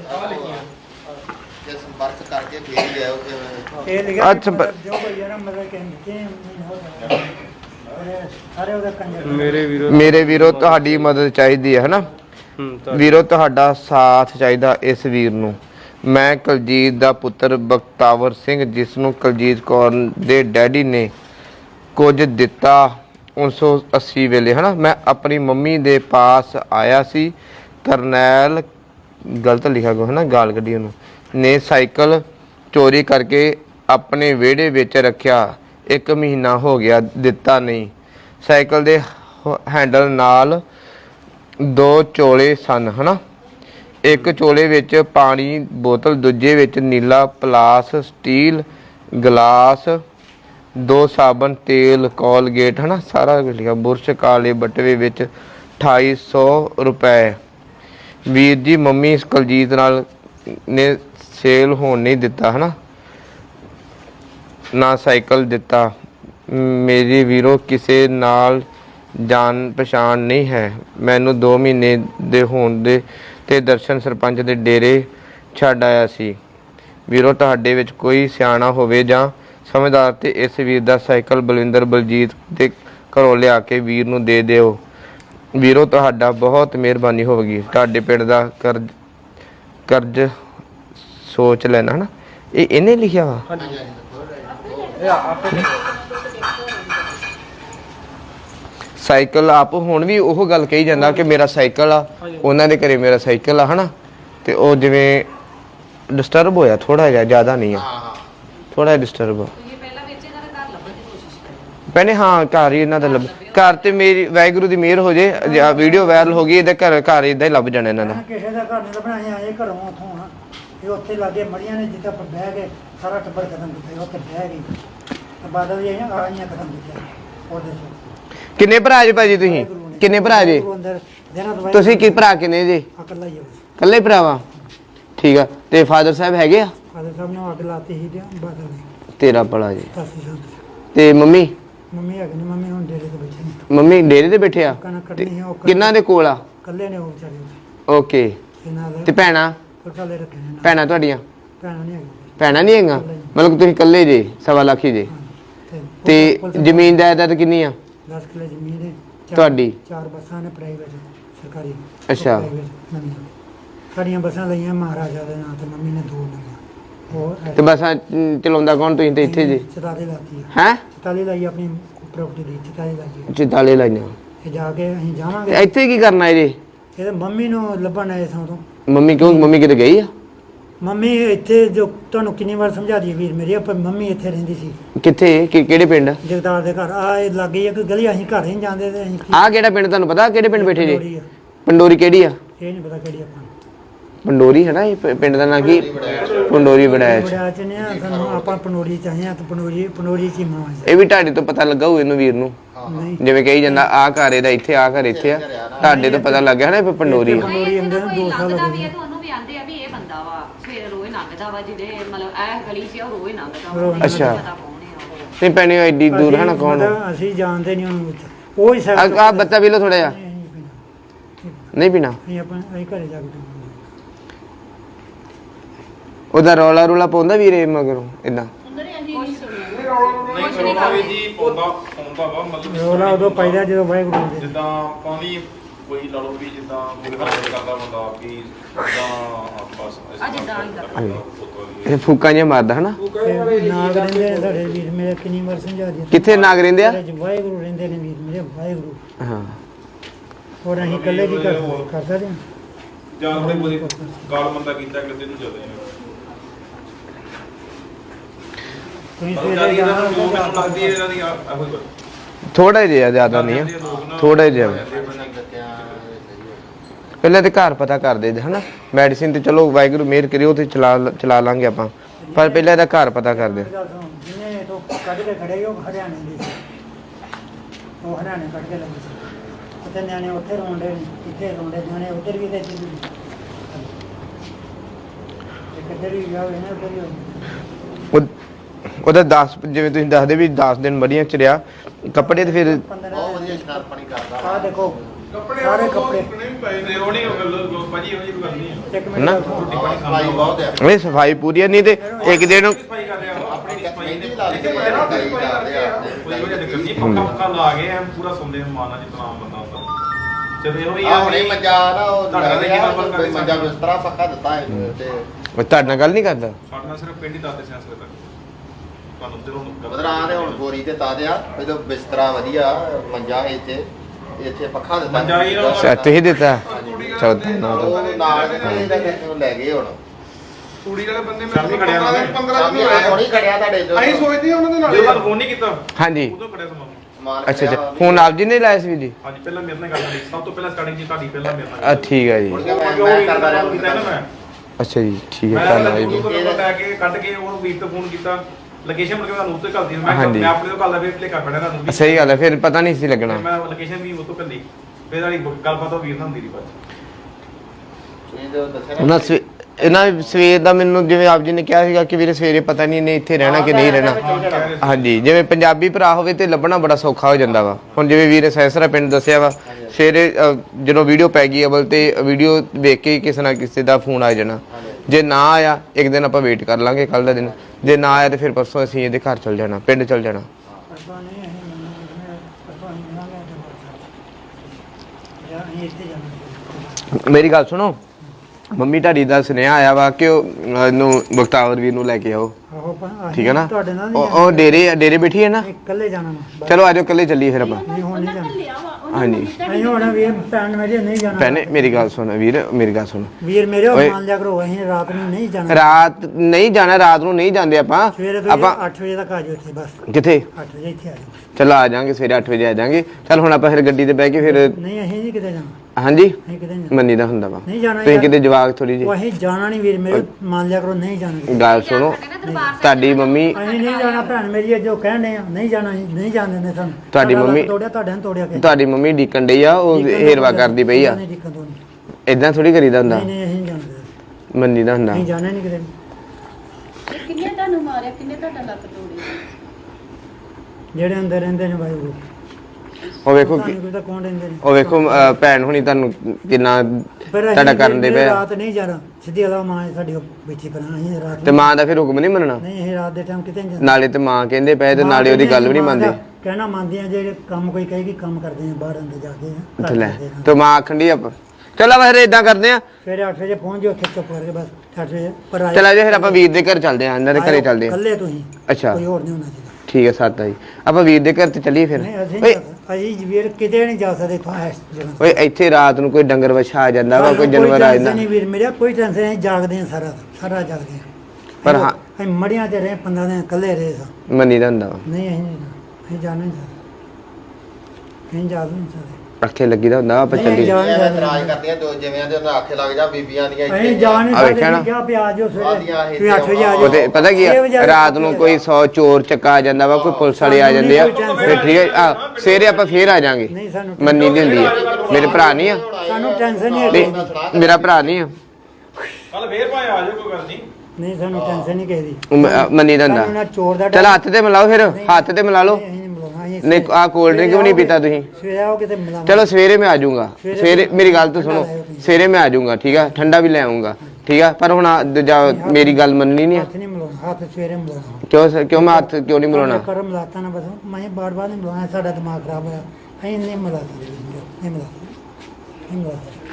Speaker 4: ਸੰਪਰਕ ਕਰਕੇ ਫੇਰ ਹੀ ਆਇਓ ਕਿ
Speaker 2: ਇਹ ਲਿਖਿਆ
Speaker 3: ਅੱਛਾ, ਪਰ-
Speaker 2: ਜੋ ਭਈਆ ਨਾ ਮਤਲਬ ਕਿ ਕਿ ਹੋ ਗਿਆ ਸਾਰੇ ਉਹਦੇ ਕੰਜਰ
Speaker 1: ਮੇਰੇ ਵੀਰੋ
Speaker 3: ਮੇਰੇ ਵੀਰੋ ਤੁਹਾਡੀ ਮਦਦ ਚਾਹੀਦੀ ਹੈ ਹਨਾ ਵੀਰੋ, ਤੁਹਾਡਾ ਸਾਥ ਚਾਹੀਦਾ ਇਸ ਵੀਰ ਨੂੰ। ਮੈਂ ਕੁਲਜੀਤ ਦਾ ਪੁੱਤਰ ਬਖਤਾਵਰ ਸਿੰਘ, ਜਿਸ ਨੂੰ ਕੁਲਜੀਤ ਕੌਰ ਦੇ ਡੈਡੀ ਨੇ ਕੁਝ ਦਿੱਤਾ ਉੱਨੀ ਸੌ ਅੱਸੀ ਵੇਲੇ ਹਨਾ। ਮੈਂ ਆਪਣੀ ਮੰਮੀ ਦੇ ਪਾਸ ਆਇਆ ਸੀ। ਕਰਨੈਲ ਗਲਤ ਲਿਖਿਆ ਗਿਆ ਹਨਾ, ਗਾਲ ਕੱਢੀ ਉਹਨੂੰ, ਨੇ ਸਾਈਕਲ ਚੋਰੀ ਕਰਕੇ ਆਪਣੇ ਵਿਹੜੇ ਵਿੱਚ ਰੱਖਿਆ। ਇੱਕ ਮਹੀਨਾ ਹੋ ਗਿਆ, ਦਿੱਤਾ ਨਹੀਂ। ਸਾਈਕਲ ਦੇ ਹ- ਹੈਂਡਲ ਨਾਲ ਦੋ ਚੋਲੇ ਸਨ ਹਨਾ। ਇੱਕ ਚੋਲੇ ਵਿੱਚ ਪਾਣੀ ਬੋਤਲ, ਦੂਜੇ ਵਿੱਚ ਨੀਲਾ ਪਲਾਸ ਸਟੀਲ ਗਲਾਸ, ਦੋ ਸਾਬਣ, ਤੇਲ, ਕੋਲਗੇਟ ਹਨਾ, ਸਾਰਾ ਕੁਝ ਲਿਖਿਆ। ਬੁਰਸ਼ ਕਾਲੇ ਬਟਵੇ ਵਿੱਚ ਅਠਾਈ ਸੌ ਰੁਪਏ। ਵੀਰ ਜੀ ਮੰਮੀ ਕੁਲਜੀਤ ਨਾਲ ਨੇ ਸੇਲ ਹੋਣ ਨਹੀਂ ਦਿੱਤਾ ਹਨਾ, ਨਾ ਸਾਈਕਲ ਦਿੱਤਾ। ਮੇਰੀ ਵੀਰੋ ਕਿਸੇ ਨਾਲ ਜਾਣ ਪਛਾਣ ਨਹੀਂ ਹੈ। ਮੈਨੂੰ ਦੋ ਮਹੀਨੇ ਦੇ ਹੋਣ ਦੇ ਤੇ ਦਰਸ਼ਨ ਸਰਪੰਚ ਦੇ ਡੇਰੇ ਛੱਡ ਆਇਆ ਸੀ। ਵੀਰੋ ਤੁਹਾਡੇ ਵਿੱਚ ਕੋਈ ਸਿਆਣਾ ਹੋਵੇ ਜਾਂ ਸਮਝਦਾਰ ਤੇ ਇਸ ਵੀਰ ਦਾ ਸਾਈਕਲ ਬਲਵਿੰਦਰ ਬਲਜੀਤ ਦੇ ਘਰੋਂ ਲਿਆ ਕੇ ਵੀਰ ਨੂੰ ਦੇ ਦਿਓ। ਵੀਰੋ ਤੁਹਾਡਾ ਬਹੁਤ ਮਿਹਰਬਾਨੀ ਹੋਵੇਗੀ। ਤੁਹਾਡੇ ਪਿੰਡ ਦਾ ਕਰਜ਼ ਕਰਜ਼ ਸੋਚ ਲੈਣਾ ਹਨਾ। ਇਹ ਇਹਨੇ ਲਿਖਿਆ ਵਾ? ਸਾਈਕਲ ਆਪ ਹੁਣ ਵੀ ਉਹ ਗੱਲ ਕਹੀ ਜਾਂਦਾ ਕਿ ਮੇਰਾ ਸਾਈਕਲ ਆ, ਉਹਨਾਂ ਦੇ ਘਰੇ ਮੇਰਾ ਸਾਈਕਲ ਆ ਹਨਾ। ਤੇ ਉਹ ਜਿਵੇਂ ਡਿਸਟਰਬ ਹੋਇਆ ਥੋੜਾ ਜਿਹਾ, ਜ਼ਿਆਦਾ ਨਹੀਂ ਆ,
Speaker 4: ਹਾਂ ਹਾਂ
Speaker 3: ਥੋੜਾ ਜਿਹਾ ਡਿਸਟਰਬ ਆ।
Speaker 5: ਤੁਸੀਂ ਪਹਿਲਾਂ ਵਿੱਚ ਇਹਨਾਂ ਦਾ ਘਰ ਲੱਭਣ ਦੀ ਕੋਸ਼ਿਸ਼ ਕਰੋ
Speaker 3: ਭੈਣੇ ਹਾਂ, ਘਰ ਹੀ ਇਹਨਾਂ ਦਾ ਲੱਭ, ਘਰ ਤੇ ਮੇਰੀ ਵਾਹਿਗੁਰੂ ਦੀ ਮਿਹਰ ਹੋ ਜੇ, ਵੀਡੀਓ ਵਾਇਰਲ ਹੋ ਗਈ, ਇਹਦੇ ਘਰ ਘਰ ਇਦਾਂ ਹੀ ਲੱਭ ਜਾਣਾ ਇਹਨਾਂ ਦਾ।
Speaker 2: ਕਿਸੇ ਦਾ ਘਰ ਨਹੀਂ ਲੱਭਣਾ, ਅਸੀਂ ਆਏ ਘਰੋਂ ਉੱਥੋਂ ਆਉਣਾ। ਇਹ ਉੱਥੇ ਲਾਗੇ ਮੜੀਆਂ ਨੇ ਜਿੱਥੇ ਆਪਾਂ ਬਹਿ ਗਏ, ਸਾਰਾ ਟੱਬਰ ਖਤਮ ਕੀਤਾ, ਉੱਥੇ ਬਹਿ ਗਈ ਤੇ ਬਾਦਲ ਵੀ ਆਈਆਂ ਆਈਆਂ ਖਤਮ ਕੀਤਾ ਉਹਦੇ ਚ।
Speaker 3: ਕਿੰਨੇ ਭਰਾ ਜੇ ਭਾਜੀ ਤੁਸੀਂ? ਕਿੰਨੇ ਭਰਾ ਜੇ
Speaker 2: ਅੰਦਰ ਦੇਣਾ ਦਵਾਈ
Speaker 3: ਤੁਸੀਂ? ਕੀ ਭਰਾ ਕਿੰਨੇ ਜੇ?
Speaker 2: ਇਕੱਲਾ ਹੀ ਆ ਬਸ।
Speaker 3: ਇਕੱਲੇ ਭਰਾਵਾ? ਠੀਕ ਆ। ਤੇ ਫਾਦਰ ਸਾਹਿਬ ਹੈਗੇ ਆ?
Speaker 2: ਫਾਦਰ ਸਾਹਿਬ ਨੇ ਅੱਗ ਲਾਤੀ ਸੀ ਤੇ ਬਾਦਲ ਨੇ
Speaker 3: ਤੇਰਾ ਭਲਾ ਜੀ।
Speaker 2: ਕਾਸੀ ਸਾਹਿਬ
Speaker 3: ਤੇ ਮੰਮੀ?
Speaker 2: ਮੰਮੀ ਹੈਗੇ ਨੇ, ਮੰਮੀ ਹੁਣ ਡੇਰੇ ਤੇ ਬੈਠੇ ਨੇ,
Speaker 3: ਮੰਮੀ ਡੇਰੇ ਤੇ ਬੈਠੇ ਆ?
Speaker 2: ਕਣਕ ਕੱਢਣੀ ਸੀ ਉਹ
Speaker 3: ਕਿੰਨਾਂ ਦੇ ਕੋਲ ਆ?
Speaker 2: ਇਕੱਲੇ ਨੇ ਉਹ ਵਿਚਾਰੇ
Speaker 3: ਓਕੇ।
Speaker 2: ਇਹਨਾਂ ਦੇ
Speaker 3: ਤੇ ਭੈਣਾਂ?
Speaker 2: ਇਕੱਲੇ ਰੱਖੇ ਨੇ ਨਾਲ।
Speaker 3: ਭੈਣਾਂ ਤੁਹਾਡੀਆਂ?
Speaker 2: ਭੈਣਾਂ ਨਹੀਂ ਹੈਗੀ
Speaker 3: ਭੈਣਾਂ ਨਹੀਂ ਹੈਗਾ? ਮਤਲਬ ਤੁਸੀਂ ਇਕੱਲੇ ਜੇ, ਸਵਾ ਲੱਖ ਹੀ ਜੇ। ਤੇ ਜ਼ਮੀਨ ਜਾਇਦਾਦ ਕਿੰਨੀ ਆ
Speaker 2: ਦਸ ਕਿੱਲੇ ਜ਼ਮੀਨ ਹੈ ਚਾਰ-
Speaker 3: ਤੁਹਾਡੀ?
Speaker 2: ਚਾਰ ਬੱਸਾਂ ਨੇ ਪ੍ਰਾਈਵੇਟ ਸਰਕਾਰੀ।
Speaker 3: ਅੱਛਾ।
Speaker 2: ਉਹ private ਨਵੀਆਂ। ਸਾਡੀਆਂ ਬੱਸਾਂ ਲਈਆਂ ਮਹਾਰਾਜਾ ਦੇ ਨਾਂ ਤੇ, ਮੰਮੀ ਨੇ ਦੋ ਲਈਆਂ। ਹੋਰ
Speaker 3: ਤੇ ਬਸ ਆਹ, ਅਮ, ਚਲਾਉਂਦਾ ਕੌਣ? ਤੁਸੀਂ ਤੇ ਇੱਥੇ ਜੇ?
Speaker 2: ਚਤਾਲੀ ਲਾਤੀ ਹੈ,
Speaker 3: ਹੈ?
Speaker 2: ਚਤਾਲੀ ਲਾਈ ਆਪਣੀ ਪ੍ਰਾਪਰਟੀ ਦੀ, ਚਤਾਲੀ ਲਾਈ ਹੈ।
Speaker 3: ਚਿਤਾਲੇ ਲਾਈਆਂ।
Speaker 2: ਤੇ ਜਾ ਕੇ ਅਸੀਂ
Speaker 3: ਤੇ
Speaker 2: ਜਾਵਾਂਗੇ,
Speaker 3: ਇੱਥੇ ਕੀ ਕਰਨਾ ਇਹਦੇ?
Speaker 2: ਇਹਦੇ ਮੰਮੀ ਨੂੰ ਲੱਭਣ ਆਏ ਥਾਂ ਤੋਂ।
Speaker 3: ਮੰਮੀ ਕਿਉਂ? ਮੰਮੀ ਕਿਤੇ ਗਈ ਆ?
Speaker 2: ਮੰਮੀ ਇੱਥੇ ਜੋ ਤੁਹਾਨੂੰ ਕਿੰਨੀ ਵਾਰ ਸਮਝਾ ਦਈਏ ਵੀਰ ਮੇਰੀ, ਆਪਾਂ ਮੰਮੀ ਇੱਥੇ ਰਹਿੰਦੀ ਸੀ
Speaker 3: ਕਿੱਥੇ? ਕਿ ਕਿਹੜੇ ਪਿੰਡ?
Speaker 2: ਜਗਦਾਰ ਦੇ ਘਰ। ਆ ਇਹ ਲੱਗੇ ਇੱਕ ਗਲੀ, ਅਸੀਂ ਘਰ ਹੀ ਨੀ ਜਾਂਦੇ ਤੇ ਅਸੀਂ ਕੀ-
Speaker 3: ਆਹ ਕਿਹੜਾ ਪਿੰਡ ਤੁਹਾਨੂੰ ਪਤਾ? ਕਿਹੜੇ ਪਿੰਡ ਬੈਠੇ ਜੇ?
Speaker 2: ਪੰਡੋਰੀ ਆ।
Speaker 3: ਪੰਡੋਰੀ ਕਿਹੜੀ ਆ?
Speaker 2: ਇਹ ਨਹੀਂ ਪਤਾ ਕਿਹੜੀ ਆਪਾਂ ਨੂੰ।
Speaker 3: ਪੰਡੋਰੀ ਹੈ ਨਾ ਇਹ ਪ- ਪਿੰਡ ਦਾ ਨਾਂ ਕੀ? ਪੰਡੋਰੀ ਬੜੈਚ।
Speaker 2: ਬੜਿਆ ਚ ਨੇ ਆ, ਸਾਨੂੰ ਆਪਾਂ ਪਨੋਰੀ ਚ ਆਏ ਆ ਤੇ ਪਨੋਰੀ ਪਨੋਰੀ ਚ ਹੀ ਮਾਂ ਹੈ।
Speaker 3: ਇਹ ਵੀ ਤੁਹਾਡੇ ਤੋਂ ਪਤਾ ਲੱਗਾ ਹੋਊ ਇਹਨੂੰ ਵੀਰ ਨੂੰ,
Speaker 2: ਨਹੀਂ
Speaker 3: ਜਿਵੇਂ ਕਹੀ ਜਾਂਦਾ ਆਹ ਘਰ ਇਹਦਾ ਇੱਥੇ, ਆਹ ਘਰ ਇੱਥੇ ਆ। ਤੁਹਾਡੇ ਤੋਂ ਪਤਾ ਲੱਗ ਗਿਆ ਨਾ ਵੀ ਪੰਡੋਰੀ ਆ।
Speaker 2: ਪੰਡੋਰੀ ਆਉਂਦੇ ਨੂੰ ਦੋ ਸਾਲ ਹੋ
Speaker 5: ਲੰਘਦਾ
Speaker 2: ਗਏ
Speaker 5: ਵੀ
Speaker 2: ਨੇ।
Speaker 5: ਹੈ ਤੁਹਾਨੂੰ ਵੀ ਆਂਦੇ ਆ ਵੀ ਇਹ ਬੰਦਾ ਵਾ ਸਵੇਰੇ ਰੋਜ਼ ਲੰਘਦਾ ਵਾ ਵਾ ਜਿਹਦੇ ਮਤਲਬ ਇਹ ਗਲੀ 'ਚ ਉਹ ਰੋਜ਼ ਲੰਘਦਾ
Speaker 3: ਅੱਛਾ।
Speaker 5: ਪਤਾ ਕੌਣ ਹੈ ਉਹ।
Speaker 3: ਨਹੀਂ ਭੈਣੇ ਉਹ ਐਡੀ ਦੂਰ ਹੈ ਨਾ ਕੌਣ
Speaker 2: ਮਤਲਬ ਅਸੀਂ ਜਾਣਦੇ ਨਹੀਂ ਉਹਨੂੰ ਉਹ ਹੀ
Speaker 3: ਆ
Speaker 2: ਸਾਈਡ
Speaker 3: ਆ ਬੱਤਾ ਪੀ ਲਓ ਥੋੜਾ ਜਿਹਾ ਨਹੀਂ ਪੀਣਾ
Speaker 2: ਅਸੀਂ ਆਪਾਂ ਅਸੀਂ ਘਰੇ ਜਾ ਕੇ ਪੀਵਾਂਗੇ।
Speaker 3: ਉਹਦਾ ਰੌਲਾ ਰੂਲਾ ਪਾਉਂਦਾ ਵੀਰੇ ਮਗਰੋਂ ਇਦਾਂ
Speaker 5: ਕੁਛ ਨਹੀਂ
Speaker 1: ਨਹੀਂ ਜੀ ਪੌਂਦਾ ਪੌਂਦਾ ਵਾ ਮਤਲਬ
Speaker 2: ਰੋਲਾ ਉਦੋਂ ਪੈਦਾ ਜਦੋਂ ਵਾਹਿਗੁਰੂ ਦੇ
Speaker 1: ਜਿੱਦਾਂ ਪਾਣੀ ਕੋਈ ਲਾ ਲਓ ਵੀ ਜਿੱਦਾਂ ਕੋਈ ਹਰਾਮ ਕਰਦਾ ਬੰਦਾ ਵੀ ਜਿੱਦਾਂ ਬਸ
Speaker 5: ਆ ਜਿੱਦਾਂ ਹੀ
Speaker 3: ਇਹ ਫੂਕਾਂ ਜਿਹਾ ਮਾਰਦਾ ਹਨਾ
Speaker 2: ਤੇ ਨਾਗ ਰਹਿੰਦੇ ਨੇ ਸਾਡੇ ਵੀਰ ਮੇਰੇ ਕਿੰਨੀ ਵਾਰ ਸਮਝਾ ਦਿੱਤੀ
Speaker 3: ਕਿੱਥੇ ਨਾਗ ਰਹਿੰਦੇ ਆ
Speaker 2: ਵਾਹਿਗੁਰੂ ਰਹਿੰਦੇ ਨੇ ਵੀਰ ਮੇਰੇ ਵਾਹਿਗੁਰੂ
Speaker 3: ਹਾਂ
Speaker 2: ਹੋਰ ਅਸੀਂ ਇਕੱਲੇ ਕੀ ਕਰ ਕਰ ਸਕਦੇ ਹਾਂ
Speaker 1: ਜਾਂ ਉਹਨੇ ਕੋਈ ਗਾਲ ਮੰਦਾ ਕੀਤਾ ਕਿਤੇ ਨੂੰ ਚੱਲਦੇ ਨੇ
Speaker 2: ਤੁਸੀਂ
Speaker 1: ਪਰ
Speaker 2: ਸਵੇਰੇ
Speaker 1: ਜਿਆਦਾ
Speaker 2: ਜਾਣਾ
Speaker 1: ਇਹਨਾਂ ਨੂੰ ਮੈਨੂੰ ਲੱਗਦੀ ਹੈ ਇਹਨਾਂ ਦੀ ਇਹੋ ਹੀ
Speaker 3: ਥੋੜਾ ਜਿਹਾ ਜ਼ਿਆਦਾ ਨਹੀਂ ਆ ਥੋੜਾ ਜਿਹਾ ਪਹਿਲਾਂ ਤੇ ਘਰ ਪਤਾ ਕਰਦੇ ਹਨਾ ਮੈਡੀਸਿਨ ਤੇ ਚਲੋ ਵਾਹਿਗੁਰੂ ਮਿਹਰ ਕਰਿਓ ਤੇ ਚਲਾ ਚਲਾ ਲਾਂਗੇ ਆਪਾਂ ਪਰ ਪਹਿਲਾਂ ਇਹਦਾ ਘਰ ਪਤਾ ਕਰਦੇ
Speaker 2: ਜਿਹਨੇ ਤੋਂ ਕੱਢ ਕੇ ਖੜੇ ਉਹ ਹਰਿਆਣੇ ਦੇ ਸੀ। ਉਹ ਹਰਿਆਣੇ ਕੱਢ ਕੇ ਲੱਗੇ ਸੀ ਉੱਥੇ ਨਿਆਣੇ ਉੱਥੇ ਰੋਂਦੇ ਨੇ ਇੱਥੇ ਰੋਂਦੇ ਨਿਆਣੇ ਉੱਧਰ ਵੀ ਤੇ ਇੱਧਰ ਵੀ ਇੱਕ ਇੱਧਰ ਵੀ ਗਿਆ ਹੋਇਆ ਨਾ ਉੱਧਰ ਵੀ ਹੋਇਆ।
Speaker 3: ਉਹ- ਉਹਦਾ ਦਸ ਜਿਵੇਂ ਤੁਸੀਂ ਦੱਸਦੇ ਵੀ ਦਸ ਦਿਨ ਮੜੀਆਂ ਚ ਰਿਹਾ ਕੱਪੜੇ ਤੇ ਫਿਰ
Speaker 4: ਬਹੁਤ ਵਧੀਆ ਸ਼ਨਾਰ ਪਾਣੀ ਕਰਦਾ
Speaker 2: ਆਹ ਦੇਖੋ ਸਾਰੇ ਕੱਪੜੇ
Speaker 1: ਤੇ ਉਹ ਨਹੀਂ ਗੱਲ ਭਾਜੀ ਇਹੋ ਜਿਹੀ ਗੱਲ ਨਹੀਂ ਹੈ
Speaker 2: ਇੱਕ ਮਿੰਟ
Speaker 3: ਨਾ।
Speaker 1: ਰੋਟੀ ਪਾਣੀ
Speaker 4: ਸਫਾਈ
Speaker 1: ਖਾਂਦਾ
Speaker 4: ਬਹੁਤ ਆ
Speaker 3: ਇਹ ਸਫਾਈ ਪੂਰੀ ਆ, ਨਹੀਂ ਤੇ ਇੱਕ ਦਿਨ
Speaker 1: ਸਫਾਈ ਕਰ ਰਿਹਾ ਵਾ, ਆਪਣੀ ਸਫਾਈ
Speaker 4: ਮਹਿੰਦੀ
Speaker 1: ਨਹੀਂ
Speaker 4: ਲਾ ਲਈ ਤੇ ਕਈ ਕਰਦੇ ਆ
Speaker 1: ਕੋਈ ਵਜ੍ਹਾ ਦਿੱਕਤ ਨਹੀਂ ਪੱਕਾ ਪੱਕਾ ਲਾ ਕੇ ਐਂ ਪੂਰਾ ਸੁਣਦੇ ਮਾਨਾ ਜਿਤਨਾ ਆਮ ਬੰਦਾ ਹੁੰਦਾ ਤੇ ਇਹੋ ਹੀ
Speaker 4: ਆ
Speaker 1: ਆ
Speaker 4: ਹੁਣੇ
Speaker 1: ਵੀ
Speaker 4: ਮੰਜਾ ਨਾ ਉਹ
Speaker 1: ਤੁਹਾਡਾ ਤਾਂ ਕੀ ਗੱਲ
Speaker 4: ਕੋਈ
Speaker 1: ਕਰਦੇ
Speaker 4: ਮੰਜਾ ਬਿਸਤਰਾ ਪੱਕਾ ਦਿੱਤਾ ਹੈ ਤੇ
Speaker 3: ਉਹ ਤੁਹਾਡੇ ਨਾਲ ਗੱਲ ਨਹੀਂ ਕਰਦਾ
Speaker 1: ਸਾਡੇ ਨਾਲ ਸਿਰਫ ਪਿੰਡ ਹੀ ਦੱਸਦੇ ਸੈਂਸ ਤੱਕ ਤੁਹਾਨੂੰ ਦਿਲੋਂ
Speaker 4: ਬਦਰਾ ਦੇ ਹੁਣ ਗੋਰੀ ਤੇ ਤਾਦਿਆ ਇਹਦਾ ਬਿਸਤਰਾ ਵਧੀਆ ਮੰਜਾ ਹੈ ਇੱਥੇ ਇੱਥੇ ਪੱਖਾ ਦਿੱਤਾ
Speaker 1: ਮੰਜਾ ਹੀ ਨਾ-
Speaker 3: ਅੱਛਾ ਤੁਸੀਂ ਦਿੱਤਾ ਚੌਥਾ ਨਾ ਤਾਂ
Speaker 4: ਉਹ ਨਾਲ ਦੇ ਇਹਦਾ ਕਿਹਨੂੰ ਲੈ ਗਏ ਹੁਣ
Speaker 6: ਕੁੜੀ ਵਾਲੇ ਬੰਦੇ
Speaker 1: ਸ਼ਾਮੀ ਖੜਿਆ ਉਹਨਾਂ ਨੇ।
Speaker 6: ਪੰਦਰਾਂ ਦਿਨ
Speaker 4: ਸਾਹਮਣੇ
Speaker 6: ਹੋਏ
Speaker 4: ਹੁਣੀ ਖੜਿਆ ਤੁਹਾਡੇ ਇੱਧਰ
Speaker 6: ਅਸੀਂ ਸੋਚਦੇ ਹਾਂ ਉਹਨਾਂ ਦੇ ਨਾਲ
Speaker 1: ਜਦੋਂ ਤੁਹਾਨੂੰ ਫੋਨ ਨਹੀਂ ਕੀਤਾ
Speaker 3: ਹਾਂਜੀ
Speaker 1: ਉਦੋਂ ਖੜਿਆ ਸਮਾਂ
Speaker 4: ਸਮਾਨ
Speaker 3: ਅੱਛਾ
Speaker 4: ਖੜਿਆ
Speaker 3: ਅੱਛਾ
Speaker 4: ਵਾ।
Speaker 3: ਫੋਨ ਆਪ ਜੀ ਨੇ ਲਾਇਆ ਸੀ ਵੀਰ ਜੀ
Speaker 1: ਹਾਂਜੀ ਪਹਿਲਾਂ ਮੇਰੇ ਨਾਲ ਗੱਲ ਹੋਈ ਸਭ ਤੋਂ ਪਹਿਲਾਂ ਸਟਾਰਟਿੰਗ ਜੀ ਤੁਹਾਡੀ ਪਹਿਲਾਂ ਮੇਰੇ ਨਾਲ
Speaker 3: ਆ ਠੀਕ ਹੈ ਜੀ
Speaker 4: ਮੁੜ ਕੇ ਮੈਂ ਮੈਂ ਕਰਦਾ ਰਿਹਾ
Speaker 1: ਕੀਤਾ ਨਾ ਮੈਂ
Speaker 3: ਅੱਛਾ ਜੀ ਠੀਕ ਹੈ
Speaker 1: ਮੈਂ
Speaker 3: ਧੰਨਵਾਦ
Speaker 1: ਤੁਹਾਨੂੰ
Speaker 3: ਜੀ
Speaker 1: ਤੋਂ ਲੈ ਕੇ ਕੱਢ ਕੇ ਉਹਨੂੰ ਵੀਰ ਤੋਂ ਫੋਨ ਕੀਤਾ ਲੋਕੇਸ਼ਨ ਮੁੜ ਕੇ ਤੁਹਾਨੂੰ ਉੱਤੇ ਘੱਲਦੀ ਮੈਂ
Speaker 3: ਹਾਂਜੀ।
Speaker 1: ਮੈਂ ਆਪਣੇ ਤੋਂ ਘੱਲਦਾ ਫਿਰ ਪਲੇ ਕਰ ਪੜਿਆ ਤੁਹਾਨੂੰ ਵੀ।
Speaker 3: ਸਹੀ ਗੱਲ ਹੈ ਫਿਰ ਪਤਾ ਨਹੀਂ ਸੀ ਲੱਗਣਾ
Speaker 1: ਮੈਂ ਲੋਕੇਸ਼ਨ ਵੀ ਉਹ ਤੋਂ ਘੱਲੀ ਫਿਰ ਵਾਲੀ ਗੱਲਬਾਤ ਉਹ ਵੀਰ ਨਾਲ ਹੁੰਦੀ ਰਹੀ ਬਾਅਦ
Speaker 4: ਇਹ ਜੋ ਦੱਸਿਆ
Speaker 3: ਉਹਨਾਂ ਸਵੇ- ਇਹਨਾਂ ਸਵੇਰ ਦਾ ਮੈਨੂੰ ਜਿਵੇਂ ਆਪ ਜੀ ਨੇ ਕਿਹਾ ਸੀਗਾ ਕਿ ਵੀਰੇ ਸਵੇਰੇ ਪਤਾ ਨਹੀਂ ਇਹਨੇ ਇੱਥੇ ਰਹਿਣਾ ਕਿ ਨਹੀਂ ਰਹਿਣਾ ਹਾਂਜੀ ਜਿਵੇਂ ਪੰਜਾਬੀ ਭਰਾ ਹੋਵੇ ਤੇ ਲੱਭਣਾ ਬੜਾ ਸੌਖਾ ਹੋ ਜਾਂਦਾ ਵਾ ਹੁਣ ਜਿਵੇਂ ਵੀਰੇ ਸੈਸਰਾ ਪਿੰਡ ਦੱਸਿਆ ਵਾ ਸਵੇਰੇ ਅ, ਜਦੋਂ ਵੀਡੀਓ ਪੈ ਗਈ ਅਵਲ ਤੇ ਵੀਡੀਓ ਵੇਖ ਕੇ ਹੀ ਕਿਸੇ ਨਾ ਕਿਸੇ ਦਾ ਫੋਨ ਆ ਜਾਣਾ ਜੇ ਨਾ ਆਇਆ ਇੱਕ ਦਿਨ ਆਪਾਂ ਵੇਟ ਕਰ ਲਾਂਗੇ ਕੱਲ ਦਾ ਦਿਨ ਜੇ ਨਾ ਆਇਆ ਤੇ ਫਿਰ ਪਰਸੋਂ ਅਸੀਂ ਇਹਦੇ ਘਰ ਚਲ ਜਾਣਾ ਪਿੰਡ ਚਲ ਜਾਣਾ
Speaker 2: ਪਰਸੋਂ ਨਹੀਂ ਅਸੀਂ ਮੰਨਾਂਗੇ ਪਰਸੋਂ ਅਸੀਂ ਮੰਨਾਂਗੇ ਤੇ ਜਾਂ ਅਸੀਂ ਇੱਥੇ ਜਾਣਾ
Speaker 3: ਮੇਰੀ ਗੱਲ ਸੁਣੋ ਮੰਮੀ ਢਾਡੀ ਦਾ ਸੁਨੇਹਾ ਆਇਆ ਵਾ ਕਿ ਉਹ ਅ, ਨੂੰ ਬਖਤਾਵਰ ਵੀਰ ਨੂੰ ਲੈ ਕੇ ਆਓ
Speaker 2: ਆਹੋ ਆਪਾਂ ਅਸੀਂ
Speaker 3: ਠੀਕ ਹੈ ਨਾ
Speaker 2: ਤੁਹਾਡੇ ਨਾਲ
Speaker 3: ਉਹ
Speaker 2: ਨਹੀਂ
Speaker 3: ਉਹ ਡੇਰੇ ਡੇਰੇ ਬੈਠੀ ਹੈ ਨਾ
Speaker 2: ਇਕੱਲੇ ਜਾਣਾ ਵਾ
Speaker 3: ਚਲੋ ਆਜੋ ਇਕੱਲੇ ਚੱਲੀਏ ਫਿਰ ਆਪਾਂ
Speaker 2: ਨਹੀਂ ਹੁਣ ਨਹੀਂ ਜਾਣਾ
Speaker 3: ਹਾਂਜੀ
Speaker 2: ਅਸੀਂ ਹੁਣ ਵੀਰ ਭੈਣ ਮੇਰੇ ਨਹੀਂ ਜਾਣਾ
Speaker 3: ਭੈਣੇ ਮੇਰੀ ਗੱਲ ਸੁਣ ਵੀਰ ਮੇਰੀ ਗੱਲ ਸੁਣ
Speaker 2: ਵੀਰ ਮੇਰੇ ਉਹ
Speaker 3: ਓਏ।
Speaker 2: ਮੰਨ ਲਿਆ ਕਰੋ ਅਸੀਂ ਰਾਤ ਨੂੰ ਨਹੀਂ ਜਾਣਾ
Speaker 3: ਰਾਤ ਨਹੀਂ ਜਾਣਾ ਰਾਤ ਨੂੰ ਨਹੀਂ ਜਾਂਦੇ ਆਪਾਂ
Speaker 2: ਸਵੇਰੇ ਤੋਂ
Speaker 3: ਆਪਾਂ
Speaker 2: ਅੱਠ ਵਜੇ ਤੱਕ ਆ ਜਾਓ ਇੱਥੇ ਬਸ
Speaker 3: ਕਿੱਥੇ
Speaker 2: ਅੱਠ ਵਜੇ ਇੱਥੇ ਆ ਜਾਓ
Speaker 3: ਚਲੋ ਆ ਜਾਾਂਗੇ ਸਵੇਰੇ ਅੱਠ ਵਜੇ ਆ ਜਾਾਂਗੇ ਚਲ ਹੁਣ ਆਪਾਂ ਫਿਰ ਗੱਡੀ ਤੇ ਬਹਿ ਕੇ ਫਿਰ
Speaker 2: ਨਹੀਂ ਅਸੀਂ ਨਹੀਂ ਕਿਤੇ ਜਾਣਾ
Speaker 3: ਹਾਂਜੀ
Speaker 2: ਅਸੀਂ ਕਿਤੇ ਨਹੀਂ ਜਾਣਾ
Speaker 3: ਮੰਨੀ ਦਾ ਹੁੰਦਾ ਵਾ
Speaker 2: ਨਹੀਂ ਜਾਣਾ
Speaker 3: ਤੁਸੀਂ
Speaker 2: ਯਾਰ।
Speaker 3: ਕਿਤੇ ਜਵਾਕ ਥੋੜੀ ਜੀ
Speaker 2: ਉਹ ਅਸੀਂ ਜਾਣਾ ਨਹੀਂ ਵੀਰ ਮੇਰੇ ਮੰਨ ਲਿਆ ਕਰੋ ਨਹੀਂ ਜਾਣਾ
Speaker 3: ਗੱਲ ਸੁਣੋ ਤੁਹਾਡੀ ਮੰਮੀ
Speaker 2: ਅਸੀਂ ਨਹੀਂ ਜਾਣਾ ਭੈਣ ਮੇਰੀ ਜੋ ਕਹਿੰਦੇ ਆ ਨਹੀਂ ਜਾਣਾ ਅਸੀਂ ਨਹੀਂ ਜਾਣ ਦਿੰਦੇ ਸਾਨੂੰ
Speaker 3: ਤੁਹਾਡੀ
Speaker 2: ਸਾਡਾ
Speaker 3: ਮੰਮੀ-
Speaker 2: ਤੋੜਿਆ ਤੁਹਾਡੇ ਨੂੰ ਤੋੜਿਆ ਕੇ
Speaker 3: ਤੁਹਾਡੀ ਮੰਮੀ ਡੀਕਣ ਡਈ ਆ ਉਹ ਹੇਰਵਾ ਕਰਦੀ ਪਈ ਆ
Speaker 2: ਨਹੀਂ ਡਿੱਕਣ ਤੋਂ ਨਹੀਂ
Speaker 3: ਇਦਾਂ ਥੋੜੀ ਕਰੀਦਾ ਹੁੰਦਾ
Speaker 2: ਨਹੀਂ ਨਹੀਂ ਅਸੀਂ ਨਹੀਂ ਜਾਣਦੇ
Speaker 3: ਮੰਨੀ ਦਾ ਹੁੰਦਾ
Speaker 2: ਅਸੀਂ ਜਾਣਾ ਨਹੀਂ ਕਿਤੇ
Speaker 7: ਕਿੰਨੇ ਤੁਹਾਨੂੰ ਮਾਰਿਆ ਕਿੰਨੇ ਤੁਹਾਡਾ ਲੱਕ ਤੋੜਿਆ
Speaker 2: ਜਿਹੜੇ ਅੰਦਰ ਰਹਿੰਦੇ ਨੇ ਵਾਹਿਗੁਰੂ
Speaker 3: ਉਹ ਵੇਖੋ ਕਿ-
Speaker 2: ਤੁਹਾਨੂੰ ਕੋਈ ਤਾਂ ਕੌਣ ਰਹਿੰਦੇ ਨੇ
Speaker 3: ਉਹ ਵੇਖੋ ਅ, ਭੈਣ ਹੁਣੀ ਤੁਹਾਨੂੰ ਕਿੰਨਾ
Speaker 2: ਪਰ ਅਸੀਂ
Speaker 3: ਤੁਹਾਡਾ ਕਰਨ ਦੇ
Speaker 2: ਵੀਰ
Speaker 3: ਪਏ ਆ।
Speaker 2: ਰਾਤ ਨਹੀਂ ਜਾਣਾ ਸਿੱਧੀ ਅਲਾ ਮਾਂ ਸਾਡੀ ਉਹ ਬੈਠੀ ਕਰਾਂ ਅਸੀਂ ਰਾਤ
Speaker 3: ਤੇ ਮਾਂ ਦਾ ਫਿਰ ਹੁਕਮ ਨਹੀਂ ਮੰਨਣਾ
Speaker 2: ਨਹੀਂ ਅਸੀਂ ਰਾਤ ਦੇ ਟਾਈਮ ਕਿਤੇ ਨਹੀਂ ਜਾਂਦੇ
Speaker 3: ਨਾਲੇ ਤੇ ਮਾਂ ਕਹਿੰਦੇ ਪਏ ਤੇ ਨਾਲੇ ਉਹਦੀ ਗੱਲ ਵੀ ਨਹੀਂ
Speaker 2: ਮਾਂ ਦਾ
Speaker 3: ਮੰਨਦੇ
Speaker 2: ਕਹਿਣਾ ਮੰਨਦੇ ਆ ਜਿਹੜੇ ਕੰਮ ਕੋਈ ਕਹੇਗੀ ਕੰਮ ਕਰਦੇ ਆ ਬਾਹਰ ਅੰਦਰ ਜਾ ਕੇ ਘਰ
Speaker 3: ਤੇ ਲੈ
Speaker 2: ਕਰਦੇ ਆ।
Speaker 3: ਤੇ ਮਾਂ ਆਖਣ ਡਈ ਆਪਾਂ ਚਲੋ ਫਿਰ ਇਦਾਂ ਕਰਦੇ ਆ
Speaker 2: ਸਵੇਰੇ ਅੱਠ ਵਜੇ ਪਹੁੰਚ ਜਾਓ ਖਿੱਚ ਚੁੱਪ ਕਰਕੇ ਬਸ ਅੱਠ ਵਜੇ ਪਰ ਆਏ
Speaker 3: ਚਲ ਆਜੋ ਫਿਰ ਆਪਾਂ ਵੀਰ ਦੇ ਘਰ ਚੱਲਦੇ ਆ ਇਹਨਾਂ ਦੇ ਘਰੇ ਚੱਲਦੇ ਆ
Speaker 2: ਇਕੱਲੇ ਤੁਸੀਂ
Speaker 3: ਅੱਛਾ
Speaker 2: ਕੋਈ ਹੋਰ ਨਹੀਂ ਹੋਣਾ ਚਾਹੀਦਾ
Speaker 3: ਠੀਕ ਹੈ ਸੱਤ ਆ ਜੀ ਆਪਾਂ ਵੀਰ ਦੇ ਘਰ ਤੇ ਚੱਲੀਏ ਫਿਰ
Speaker 2: ਨਹੀਂ ਅਸੀਂ
Speaker 3: ਓਏ
Speaker 2: ਨਹੀਂ ਜਾ ਸਕਦੇ। ਅਸੀਂ ਵੀਰ ਕਿਤੇ ਨਹੀਂ ਜਾ ਸਕਦੇ ਇੱਥੋਂ ਇਸ ਜਗ੍ਹਾ
Speaker 3: ਓਏ ਇੱਥੇ ਰਾਤ ਨੂੰ ਕੋਈ ਡੰਗਰ ਵਛਾ ਆ ਜਾਂਦਾ ਵਾ ਕੋਈ
Speaker 2: ਸਾਨੂੰ
Speaker 3: ਜਾਨਵਰ ਆ
Speaker 2: tension
Speaker 3: ਜਾਂਦਾ
Speaker 2: ਨਹੀਂ ਵੀਰ ਮੇਰਾ ਕੋਈ ਟੈਨਸ਼ਨ ਨਹੀਂ ਜਾਗਦੇ ਆ ਸਾਰਾ ਸਾਰਾ ਜਾਗਦੇ ਆ
Speaker 3: ਪਰ ਹਾਂ
Speaker 2: ਅਸੀਂ ਮੜੀਆਂ ਤੇ ਰਹੇ ਪੰਦਰਾਂ ਦਿਨ ਇਕੱਲੇ ਰਹੇ ਸਾਂ
Speaker 3: ਮੰਨੀ ਦਾ ਹੁੰਦਾ ਵਾ
Speaker 2: ਨਹੀਂ ਅਸੀਂ ਨਹੀਂ ਜਾਣਾ। ਅਸੀਂ ਜਾਣ ਨਹੀਂ ਸਕਦੇ ਅਸੀਂ ਜਾ ਨਹੀਂ ਸਕਦੇ
Speaker 3: ਅੱਖੇ ਲੱਗੀ ਦਾ ਹੁੰਦਾ ਵਾ, ਆਪਾਂ
Speaker 2: ਨਹੀਂ,
Speaker 3: ਚੱਲੀਏ
Speaker 2: ਜਾ-
Speaker 4: ਇਹ ਇਤਰਾਜ਼ ਕਰਦੀਆਂ ਦੋ ਜਿਵੇਂ ਦੇ ਉਹਨਾਂ ਆਖੇ ਲੱਗ ਜਾ ਬੀਬੀਆਂ ਦੀਆਂ
Speaker 2: ਅਸੀਂ ਜਾ ਨਹੀਂ
Speaker 3: ਆ
Speaker 2: ਸਕਦੇ
Speaker 3: ਵੇਖਿਆ ਨਾ?
Speaker 2: ਕਿਹਾ ਵੀ ਆ ਜਾਓ ਸਵੇਰੇ
Speaker 4: ਆਉਂਦੀਆਂ ਇਹ
Speaker 2: ਤੁਸੀਂ ਅੱਠ ਵਜੇ ਆ ਜਾਓ
Speaker 3: ਉਹਦੇ ਪਤਾ ਕੀ
Speaker 2: ਛੇ ਵਜੇ
Speaker 3: ਆ ਰਾਤ ਨੂੰ ਕੋਈ ਸੌ ਚੋਰ ਚੱਕਾ ਆ ਜਾਂਦਾ ਵਾ ਕੋਈ ਪੁਲਿਸ ਵਾਲੇ ਆ ਜਾਂਦੇ ਆ ਫਿਰ ਠੀਕ ਹੈ ਆ ਸਵੇਰੇ ਆਪਾਂ ਫੇਰ ਆ ਜਾਾਂਗੇ
Speaker 2: ਨਹੀਂ ਸਾਨੂੰ
Speaker 3: ਮੰਨੀ ਦੀ ਹੁੰਦੀ ਆ ਮੇਰੇ ਭਰਾ ਨਹੀਂ ਆ
Speaker 2: ਸਾਨੂੰ ਟੈਨਸ਼ਨ ਨਹੀਂ
Speaker 3: ਨਹੀਂ
Speaker 2: ਹੈ
Speaker 3: ਮੇਰਾ ਭਰਾ ਨਹੀਂ ਆ
Speaker 1: ਕੱਲ ਫੇਰ ਭਾਵੇਂ ਆ ਜਾਓ ਕੋਈ ਗੱਲ ਨਹੀਂ
Speaker 2: ਨਹੀਂ ਸਾਨੂੰ ਟੈਨਸ਼ਨ ਨਹੀਂ ਕਿਸੇ ਦੀ
Speaker 3: ਮ- ਮੰਨੀ ਦਾ
Speaker 2: ਸਾਨੂੰ
Speaker 3: ਹੁੰਦਾ
Speaker 2: ਨਾ ਚੋਰ ਦਾ
Speaker 3: ਚਲ ਹੱਥ ਤੇ ਮਿਲਾਓ ਫਿਰ ਹੱਥ ਤੇ ਮਿਲਾ ਲਓ
Speaker 2: ਅਸੀਂ ਨਹੀਂ ਮਿਲਾਉਣਾ, ਅਸੀਂ
Speaker 3: ਨਹੀਂ ਆ ਕੋਲਡ ਡਰਿੰਕ ਵੀ ਨਹੀਂ ਪੀਤਾ ਤੁਸੀਂ
Speaker 2: ਸਵੇਰੇ ਆਓ ਕਿਤੇ ਮਿਲਾਵਾਂਗੇ।
Speaker 3: ਚਲੋ ਸਵੇਰੇ ਮੈਂ ਆ ਜਾਊਂਗਾ ਸਵੇਰੇ ਮੇਰੀ ਗੱਲ ਤਾਂ ਸੁਣੋ ਸਵੇਰੇ ਮੈਂ ਆ ਜਾਊਂਗਾ ਠੀਕ ਆ ਠੰਡਾ ਵੀ ਲੈ ਆਉਂਗਾ ਠੀਕ ਆ ਪਰ ਹੁਣ ਆ ਦੂਜਾ ਮੇਰੀ ਗੱਲ ਮੰਨਣੀ ਨਹੀਂ ਆ
Speaker 2: ਹੱਥ ਨਹੀਂ ਮਿਲਾਉਣਾ, ਹੱਥ ਸਵੇਰੇ ਮਿਲਾਉਣਾ।
Speaker 3: ਕਿਉਂ ਸਰ ਕਿਉਂ ਮੈਂ ਹੱਥ ਕਿਉਂ ਨਹੀਂ ਮਿਲਾਉਣਾ
Speaker 2: ਕਰਮ ਲਾਤਾ ਨਾ ਬਸ ਮੈਂ ਬਾਰ ਬਾਰ ਨਹੀਂ ਮਿਲਾਉਣਾ, ਸਾਡਾ ਦਿਮਾਗ ਖਰਾਬ ਹੋਇਆ ਅਸੀਂ ਨਹੀਂ ਮਿਲਾ ਸਕਦੇ ਨਹੀਂ ਮਿਲਾ ਸਕਦੇ ਨਹੀਂ ਮਿਲਾ ਸਕਦੇ।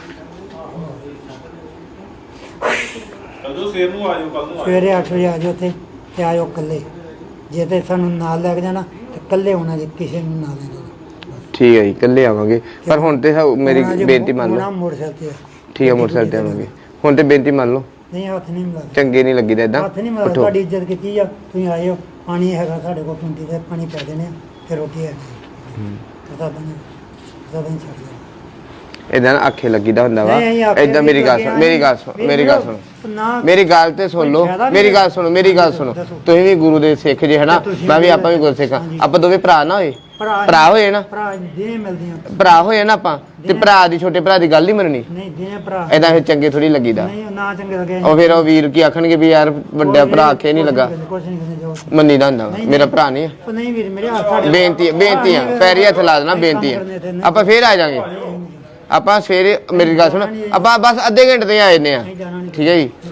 Speaker 1: ਜਦੋਂ ਸਵੇਰ ਨੂੰ ਆ ਜਾਓ ਕੱਲ ਨੂੰ ਆ
Speaker 2: ਸਵੇਰੇ ਅੱਠ ਵਜੇ ਆ ਜਾਓ ਉੱਥੇ ਤੇ ਆਇਓ ਇਕੱਲੇ ਜੇ ਤੇ ਸਾਨੂੰ ਨਾਲ ਲੈ ਕੇ ਜਾਣਾ ਤੇ ਇਕੱਲੇ ਹੋਣਾ ਜੇ ਕਿਸੇ ਨੂੰ ਨਾਲ ਲੈ ਜਾਣਾ।
Speaker 3: ਠੀਕ ਹੈ ਜੀ ਇਕੱਲੇ ਆਵਾਂਗੇ ਪਰ ਹੁਣ ਤੇ ਸਾ- ਮੇਰੀ
Speaker 2: ਹੋਣਾ ਜੇ
Speaker 3: ਬੇਨਤੀ ਮੰਨ
Speaker 2: ਹੋਣਾ
Speaker 3: ਲਓ
Speaker 2: ਮੋਟਰਸਾਈਕਲ ਤੇ
Speaker 3: ਠੀਕ ਹੈ ਮੋਟਰਸਾਈਕਲ ਤੇ ਆਵਾਂਗੇ ਹੁਣ ਤੇ ਬੇਨਤੀ ਮੰਨ ਲਓ
Speaker 2: ਨਹੀਂ ਹੱਥ ਨਹੀਂ ਮਿਲਾ
Speaker 3: ਚੰਗੇ ਨਹੀਂ ਲੱਗੀਦਾ ਇਦਾਂ
Speaker 2: ਹੱਥ ਨਹੀਂ ਮਿਲਾ
Speaker 3: ਉਠੋ
Speaker 2: ਤੁਹਾਡੀ ਇੱਜ਼ਤ ਕੀਤੀ ਆ ਤੁਸੀਂ ਆਏ ਹੋ ਪਾਣੀ ਹੈਗਾ ਸਾਡੇ ਕੋਲ ਟੁੰਟੀ ਤੇ ਪਾਣੀ ਪੈ ਦੇਣੇ ਆ ਫਿਰ ਰੋਟੀ ਹੈ ਪਤਾ ਨਹੀਂ ਪਤਾ ਨਹੀਂ ਛੱਡ ਦਿਓ।
Speaker 3: ਇਦਾਂ ਆਖੇ ਲੱਗੀਦਾ ਹੁੰਦਾ ਵਾ
Speaker 2: ਨਹੀਂ, ਆਖੇ
Speaker 3: ਇਦਾਂ ਮੇਰੀ ਗੱਲ ਸੁਣ ਮੇਰੀ ਗੱਲ ਸੁਣ ਮੇਰੀ ਗੱਲ ਸੁਣ
Speaker 2: ਨਾ
Speaker 3: ਮੇਰੀ ਗੱਲ ਤੇ ਸੁਣ ਲਓ
Speaker 2: ਫਾਇਦਾ ਵੀ
Speaker 3: ਮੇਰੀ
Speaker 2: ਨਹੀਂ।
Speaker 3: ਗੱਲ ਸੁਣੋ ਮੇਰੀ ਗੱਲ ਸੁਣੋ ਤੁਸੀਂ ਵੀ ਗੁਰੂ ਦੇ ਸਿੱਖ ਜੇ ਹਨਾ
Speaker 2: ਤੁਸੀਂ
Speaker 3: ਮੈਂ ਵੀ
Speaker 2: ਵੀ
Speaker 3: ਆਪਾਂ ਵੀ ਗੁਰੂ ਸਿੱਖ ਹਾਂ।
Speaker 2: ਹਾਂਜੀ।
Speaker 3: ਆਪਾਂ ਦੋਵੇਂ ਭਰਾ ਨਾ ਹੋਏ
Speaker 2: ਭਰਾ
Speaker 3: ਭਰਾ ਹੋਏ ਨਾ
Speaker 2: ਭਰਾ ਦਿਨੇ ਮਿਲਦੀਆਂ
Speaker 3: ਭਰਾ ਹੋਏ ਨਾ ਆਪਾਂ ਤੇ ਭਰਾ ਦੀ ਛੋਟੇ ਭਰਾ ਦੀ ਗੱਲ ਨਹੀਂ ਮੰਨਣੀ
Speaker 2: ਨਹੀਂ ਦਿਨੇ ਭਰਾ
Speaker 3: ਇਦਾਂ ਫਿਰ ਚੰਗੇ ਥੋੜੀ ਲੱਗੀਦਾ
Speaker 2: ਨਹੀਂ ਨਾ ਚੰਗੇ ਲੱਗੇ
Speaker 3: ਉਹ ਫਿਰ ਉਹ ਵੀਰ ਕੀ ਆਖਣਗੇ ਵੀ ਯਾਰ ਵੱਡਾ ਭਰਾ ਆਖੇ ਨਹੀਂ ਲੱਗਾ
Speaker 2: ਕੁਛ ਨਹੀਂ ਕਹਿੰਦੇ ਜਾਓ
Speaker 3: ਮੰਨੀ ਦਾ ਹੁੰਦਾ ਵਾ। ਮੇਰਾ ਭਰਾ ਨਹੀਂ ਆ
Speaker 2: ਉਹ ਨਹੀਂ ਵੀਰ ਮੇਰੇ ਹੱਥ ਸਾਡੇ
Speaker 3: ਬੇਨਤੀ ਹੈ ਬੇਨਤੀ ਆ ਪੈਰੀ ਹੱਥ ਲਾ ਦੇਣਾ ਬੇਨਤੀ ਆ ਆਪਾਂ ਫੇਰ ਆ ਜਾਾਂਗੇ ਆਪਾਂ ਸਵੇਰੇ ਮੇਰੀ ਗੱਲ ਸੁਣ ਆਪਾਂ ਬਸ ਅੱਧੇ ਘੰਟੇ ਤੇ ਆ ਜਾਂਦੇ ਆ
Speaker 2: ਨਹੀਂ ਜਾਣਾ ਨਹੀਂ
Speaker 3: ਠੀਕ ਹੈ ਜੀ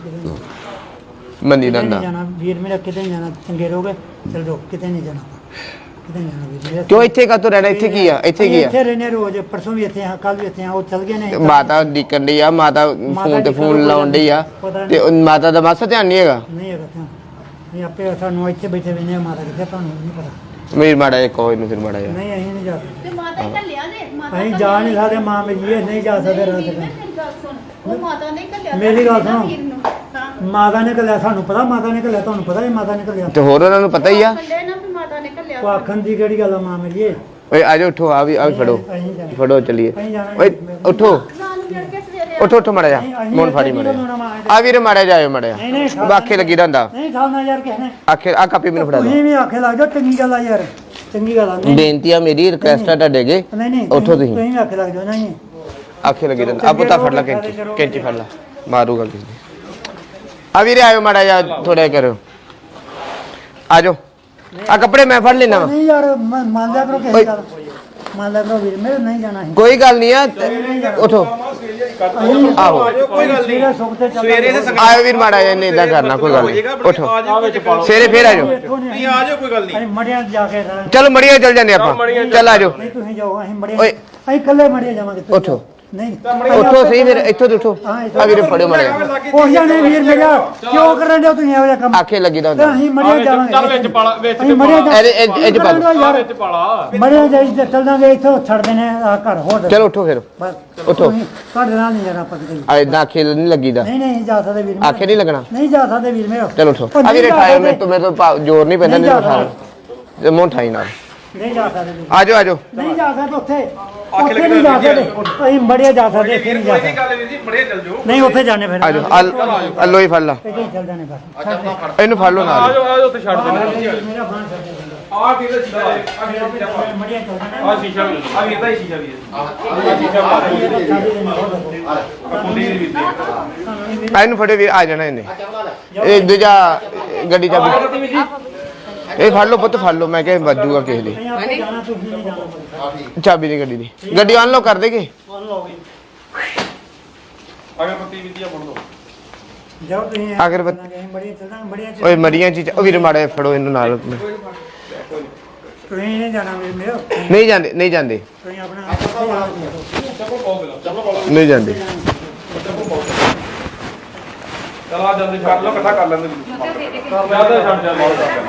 Speaker 3: ਮੰਨੀ ਦਾ
Speaker 2: ਕਿਤੇ
Speaker 3: ਹੁੰਦਾ
Speaker 2: ਨਹੀਂ ਜਾਣਾ ਵੀਰ ਮੇਰਾ ਕਿਤੇ ਨਹੀਂ ਜਾਣਾ ਚੰਗੇ ਰਹੋਗੇ ਚਲ ਜਾਓ ਕਿਤੇ ਨਹੀਂ ਜਾਣਾ ਕਿਤੇ ਨਹੀਂ ਜਾਣਾ ਵੀਰ ਮੇਰਾ
Speaker 3: ਕਿਉਂ ਇੱਥੇ ਕਾਤੋਂ ਰਹਿਣਾ ਇੱਥੇ ਕੀ ਆ ਇੱਥੇ ਕੀ ਆ
Speaker 2: ਇੱਥੇ ਰਹਿੰਦੇ ਰੋਜ਼ ਪਰਸੋਂ ਵੀ ਇੱਥੇ ਆ ਕੱਲ ਵੀ ਇੱਥੇ ਆ ਉਹ ਚਲ ਗਏ ਨੇ
Speaker 3: ਮਾਤਾ ਡਿੱਕਣ ਡਈ ਆ ਮਾਤਾ ਫੋਨ ਤੇ ਫੋਨ ਲਾਉਣ ਡਈ ਆ ਤੇ ਉਹ ਮਾਤਾ ਦਾ ਮਾਸਾ ਧਿਆਨ ਨਹੀਂ ਹੈਗਾ
Speaker 2: ਨਹੀਂ ਹੈਗਾ ਤਾਂ ਨਹੀਂ ਆਪੇ ਸਾਨੂੰ ਇੱਥੇ ਬੈਠੇ ਵੇਨੇ ਮਾਤਾ ਕਿੱਥੇ ਤੁਹਾਨੂੰ ਨਹੀਂ ਪਤਾ
Speaker 3: ਮੇਰੀ ਮਾੜਾ ਜਿਹਾ ਕੋਈ ਨੂੰ ਫਿਰ ਮਾੜਾ ਜਿਹਾ
Speaker 2: ਨਹੀਂ ਅਸੀਂ ਨਹੀਂ ਜਾ ਸਕਦੇ
Speaker 7: ਤੇ ਮਾਤਾ ਹੀ ਘੱਲਿਆ ਨੇ ਮਾਤਾ
Speaker 2: ਅਸੀਂ ਜਾ ਨਹੀਂ ਸਕਦੇ ਮਾਂ ਮੇਰੀ ਇਹ ਨਹੀਂ ਜਾ ਸਕਦੇ ਰਾਤ
Speaker 7: ਵੀਰ
Speaker 2: ਨੂੰ
Speaker 7: ਮੇਰੀ ਗੱਲ ਸੁਣ ਉਹ ਮਾਤਾ ਨੇ ਘੱਲਿਆ
Speaker 2: ਮੇਰੀ ਗੱਲ ਸੁਣੋ।
Speaker 7: ਵੀਰ ਨੂੰ ਹਾਂ
Speaker 2: ਮਾਤਾ ਨੇ ਘੱਲਿਆ ਸਾਨੂੰ ਪਤਾ ਮਾਤਾ ਨੇ ਘੱਲਿਆ ਤੁਹਾਨੂੰ ਪਤਾ ਹੀ ਮਾਤਾ ਨੇ ਘੱਲਿਆ
Speaker 3: ਤੇ ਹੋਰ ਉਹਨਾਂ ਨੂੰ ਪਤਾ ਹੀ ਆ
Speaker 7: ਕੱਲੇ ਨਾ ਵੀ ਮਾਤਾ ਨੇ ਘੱਲਿਆ
Speaker 2: ਉਹ ਆਖਣ ਦੀ ਕਿਹੜੀ ਗੱਲ ਆ ਮਾਂ ਮੇਰੀ ਇਹ
Speaker 3: ਓਏ ਆ ਜਾਓ ਉੱਠੋ ਆ ਵੀ ਆ ਵੀ ਫੜੋ
Speaker 2: ਅਸੀਂ ਜਾਣਾ
Speaker 3: ਫੜੋ ਚਲੀਏ
Speaker 2: ਅਸੀਂ ਜਾਣਾ
Speaker 3: ਓਏ ਉੱਠੋ
Speaker 7: ਨਾਲ ਮਿਲ ਕੇ ਸਵੇਰੇ
Speaker 3: ਉੱਠੋ ਉੱਠੋ ਮਾੜਾ ਜਾ ਮੋਨ ਫਾੜੀ ਮਾੜਾ ਆ ਵੀਰੇ ਮਾੜਾ ਜਾਇਓ ਮਾੜਾ
Speaker 2: ਨਹੀਂ ਨਹੀਂ
Speaker 3: ਜਾ ਆਖੇ ਲੱਗੀ ਦਾ ਹੁੰਦਾ
Speaker 2: ਨਹੀਂ ਖਾਣਾ ਯਾਰ ਕਿਸ ਨੇ
Speaker 3: ਆਖੇ ਆ ਕਾਪੀ ਮੈਨੂੰ ਫੜਾ
Speaker 2: ਤੁਸੀਂ ਵੀ ਆਖੇ ਲੱਗ ਜਾਓ ਚੰਗੀ ਗੱਲ ਆ ਯਾਰ ਚੰਗੀ ਗੱਲ ਆ
Speaker 3: ਦਿਓ
Speaker 2: ਨਹੀਂ
Speaker 3: ਬੇਨਤੀ ਆ ਮੇਰੀ ਰਿਕੁਐਸਟ ਆ ਤੁਹਾਡੇ ਅੱਗੇ
Speaker 2: ਨਹੀਂ ਨਹੀਂ
Speaker 3: ਉੱਠੋ ਤੁਸੀਂ
Speaker 2: ਤੁਸੀਂ ਵੀ ਆਖੇ ਲੱਗ ਜਾਓ ਨਹੀਂ
Speaker 3: ਆਖੇ ਲੱਗੀ ਦਾ ਆ ਪੁੱਤਾ ਫੜ ਲਾ ਕੈਂਚੀ ਕੈਂਚੀ ਫੜ ਲਾ ਮਾਰੂਗਾ ਕਿਸੇ ਨੇ ਆ ਵੀਰੇ ਆਇਓ ਮਾੜਾ ਜਾ ਥੋੜਾ ਕਰੋ ਆ ਜਾਓ ਆ ਕੱਪੜੇ ਮੈਂ ਫੜ ਲੈਣਾ ਵਾ
Speaker 2: ਨਹੀਂ ਯਾਰ ਮ- ਮੰਨ ਲਿਆ ਕਰੋ ਕਿਸੇ ਗੱਲ ਮੰਨ ਲਿਆ ਕਰੋ ਵੀਰ ਮੇਰੇ ਨਹੀਂ ਜਾਣਾ ਸੀ
Speaker 3: ਕੋਈ ਗੱਲ ਨਹੀਂ ਆ ਉਠੋ ਆਹੋ
Speaker 1: ਕੋਈ ਗੱਲ ਨਹੀਂ
Speaker 2: ਸਵੇਰੇ ਸੁੱਖ ਤੇ ਚੱਲ
Speaker 1: ਸਵੇਰੇ ਤੇ ਸੰਗਤ
Speaker 3: ਆਇਓ ਵੀਰ ਮਾੜਾ ਜਿਹਾ ਨਹੀਂ ਇਦਾਂ ਕਰਨਾ ਕੋਈ ਗੱਲ ਨਹੀਂ ਉਠੋ
Speaker 1: ਆ ਜਾਓ ਵਿੱਚ ਪਾ ਲਓ
Speaker 3: ਸਵੇਰੇ ਫੇਰ ਆ ਜਾਓ
Speaker 1: ਨਹੀਂ ਆ ਜਾਓ ਕੋਈ ਗੱਲ ਨਹੀਂ
Speaker 2: ਅਸੀਂ ਮੜਿਆਂ ਜਾ ਕੇ ਰਹਿ-
Speaker 3: ਚਲੋ ਮੜੀਆਂ ਚੱਲ ਜਾਂਦੇ ਆਪਾਂ ਚੱਲ ਆ ਜਾਓ
Speaker 2: ਨਹੀਂ ਤੁਸੀਂ ਜਾਓ ਅਸੀਂ ਮੜਿਆਂ
Speaker 3: ਓਏ।
Speaker 2: ਅਸੀਂ ਇਕੱਲੇ ਮੜਿਆਂ ਜਾਵਾਂਗੇ ਤੁਸੀਂ
Speaker 3: ਉੱਠੋ।
Speaker 2: ਜਾਓ। ਨਹੀਂ
Speaker 3: ਉੱਠੋ ਸਹੀ ਫਿਰ ਇੱਥੋਂ ਤੋਂ ਉੱਠੋ
Speaker 2: ਹਾਂ, ਇੱਥੋਂ।
Speaker 3: ਆ ਵੀਰੇ ਫੜਿਓ ਮਾੜਾ ਜਿਹਾ
Speaker 2: ਉਹ ਜਾਣੇ ਵੀਰ ਮੇਰਾ ਕਿਉਂ ਕਰਨ ਦਿਓ ਤੁਸੀਂ ਇਹੋ ਜਿਹਾ ਕੰਮ
Speaker 3: ਆਖੇ ਲੱਗੀ ਦਾ
Speaker 2: ਤੇ
Speaker 3: ਹੁੰਦਾ
Speaker 2: ਅਸੀਂ ਮੜਿਆਂ ਜਾਵਾਂਗੇ
Speaker 6: ਚੱਲ ਵਿੱਚ ਪਾਲਾ ਵਿੱਚ
Speaker 2: ਅਸੀਂ ਮੜਿਆਂ ਜਾ
Speaker 3: ਇਹਦੇ- ਇਹ- ਇਹ 'ਚ ਪਾ ਦਿਓ।
Speaker 2: ਯਾਰ
Speaker 6: ਵਿੱਚ ਪਾਲਾ
Speaker 2: ਮੜਿਆਂ ਜਾਈ ਤੇ ਚੱਲ ਜਾਵਾਂਗੇ ਇੱਥੋਂ ਛੱਡ ਦੇਣੇ ਆ ਘਰ ਹੋਰ
Speaker 3: ਚਲੋ ਉੱਠੋ ਫਿਰ
Speaker 2: ਬਸ
Speaker 3: ਉੱਠੋ।
Speaker 2: ਤੁਸੀਂ- ਤੁਹਾਡੇ ਨਾਲ ਨਹੀਂ ਜਾਣਾ ਆਪਾਂ ਕਿਤੇ ਵੀ।
Speaker 3: ਆ ਇਦਾਂ ਆਖੇ ਨਹੀਂ ਲੱਗੀਦਾ
Speaker 2: ਨਹੀਂ ਨਹੀਂ ਜਾ ਸਕਦੇ ਵੀਰ ਮੇਰਾ।
Speaker 3: ਆਖੇ ਨਹੀਂ ਲੱਗਣਾ
Speaker 2: ਨਹੀਂ ਜਾ ਸਕਦੇ ਵੀਰ ਮੇਰਾ
Speaker 3: ਚਲੋ ਉਠੋ
Speaker 2: ਉਹ
Speaker 3: ਆ
Speaker 2: ਨਹੀਂ
Speaker 3: ਵੀਰੇ
Speaker 2: ਜਾ
Speaker 3: ਠਾਇਓ
Speaker 2: ਸਕਦੇ।
Speaker 3: ਮੇਰੇ ਤੋਂ ਮੇਰੇ ਤੋਂ ਭਾ- ਜ਼ੋਰ ਨਹੀਂ ਪੈਂਦਾ
Speaker 2: ਨਹੀਂ
Speaker 3: ਨਹੀਂ
Speaker 2: ਜਾ
Speaker 3: ਉਠਾ ਜੇ ਮੋਂ ਠਾਈ ਨਾਲ
Speaker 2: ਨਹੀਂ ਜਾ ਸਕਦੇ ਵੀਰ।
Speaker 3: ਆ ਜਾਓ ਆ ਜਾਓ
Speaker 2: ਨਹੀਂ ਜਾ ਸਕਦੇ ਉੱਥੇ ਉੱਥੇ ਨਹੀਂ ਜਾ ਸਕਦੇ ਅਸੀਂ ਮੜਿਆ ਜਾ ਸਕਦੇ ਇੱਥੇ ਨਹੀਂ ਜਾ ਸਕਦੇ
Speaker 1: ਗੱਲ ਵੀਰ ਜੀ ਬੜੇ ਚੱਲ ਜਾਓ
Speaker 2: ਨਹੀਂ ਉੱਥੇ ਜਾਣੇ ਫਿਰ
Speaker 3: ਆ ਜਾਓ ਆ ਲੋ ਹੀ ਫੜ ਲਾ
Speaker 2: ਇੱਥੇ ਹੀ ਚੱਲ ਜਾਣੇ ਬਸ ਛੱਡ ਦੇ।
Speaker 3: ਇਹਨੂੰ ਫੜ ਲਓ ਨਾਲ
Speaker 6: ਆ ਜਾਓ ਉੱਥੇ ਛੱਡ ਦੇਣਾ
Speaker 2: ਮੇਰਾ ਬਾਣ ਛੱਡ ਦੇ
Speaker 6: ਆ ਵੀਰ ਦਾ ਸ਼ੀਸ਼ਾ ਆ
Speaker 2: ਮੜਿਆ ਚੱਲ ਜਾਣਾ
Speaker 6: ਆ ਸ਼ੀਸ਼ਾ ਵੀ ਆ ਵੀਰ ਦਾ ਹੀ ਸ਼ੀਸ਼ਾ ਵੀ
Speaker 3: ਆ ਇਹਨੂੰ ਫੜੇ ਵੀਰ ਆ ਜਾਣਾ ਇਹਨੇ ਇਹ ਦੂਜਾ ਗੱਡੀ ਚਾਬੀ ਇਹ ਫੜ ਲਓ ਪੁੱਤ ਫੜ ਲਓ ਮੈਂ ਕਿਹਾ ਵੱਜੂਗਾ ਕਿਸੇ ਦੀ
Speaker 2: ਅਸੀਂ ਆਪੇ ਜਾਣਾ ਤੁਸੀਂ ਨਹੀਂ ਜਾਣਾ
Speaker 3: ਚਾਬੀ ਦੀ ਗੱਡੀ ਦੀ ਗੱਡੀ ਅਨਲੌਕ ਕਰ ਦੇਗੇ
Speaker 1: ਅਗਰਬੱਤੀ ਵੀ ਦਿਆ ਫੜ ਲਓ
Speaker 2: ਜਾਓ ਤੁਸੀਂ
Speaker 3: ਅਗਰਬੱਤੀ-
Speaker 2: ਅਸੀਂ ਮੜੀਆਂ ਚੱਲ ਜਾਣਾ ਮੜੀਆਂ ਚ
Speaker 3: ਓਏ ਮਰੀਆਂ ਚੀਜ਼ ਉਹ ਵੀਰ ਮਾੜਾ ਜਿਹਾ ਫੜੋ ਇਹਨੂੰ ਨਾਲ
Speaker 2: ਤੁਸੀਂ ਨਹੀਂ ਜਾਣਾ ਵੀਰ ਮੇਰਾ
Speaker 3: ਨਹੀਂ ਜਾਂਦੇ ਨਹੀਂ ਜਾਂਦੇ
Speaker 2: ਤੁਸੀਂ ਆਪਣਾ ਇੱਥੇ ਆ ਜਾਓ।
Speaker 3: ਨਹੀਂ ਜਾਂਦੇ
Speaker 1: ਚਲ ਆ ਜਲਦੀ ਕਰ ਲਓ ਇਕੱਠਾ ਕਰ ਲੈਂਦੇ
Speaker 6: ਜਿਆਦਾ ਛੱਡ ਜਾ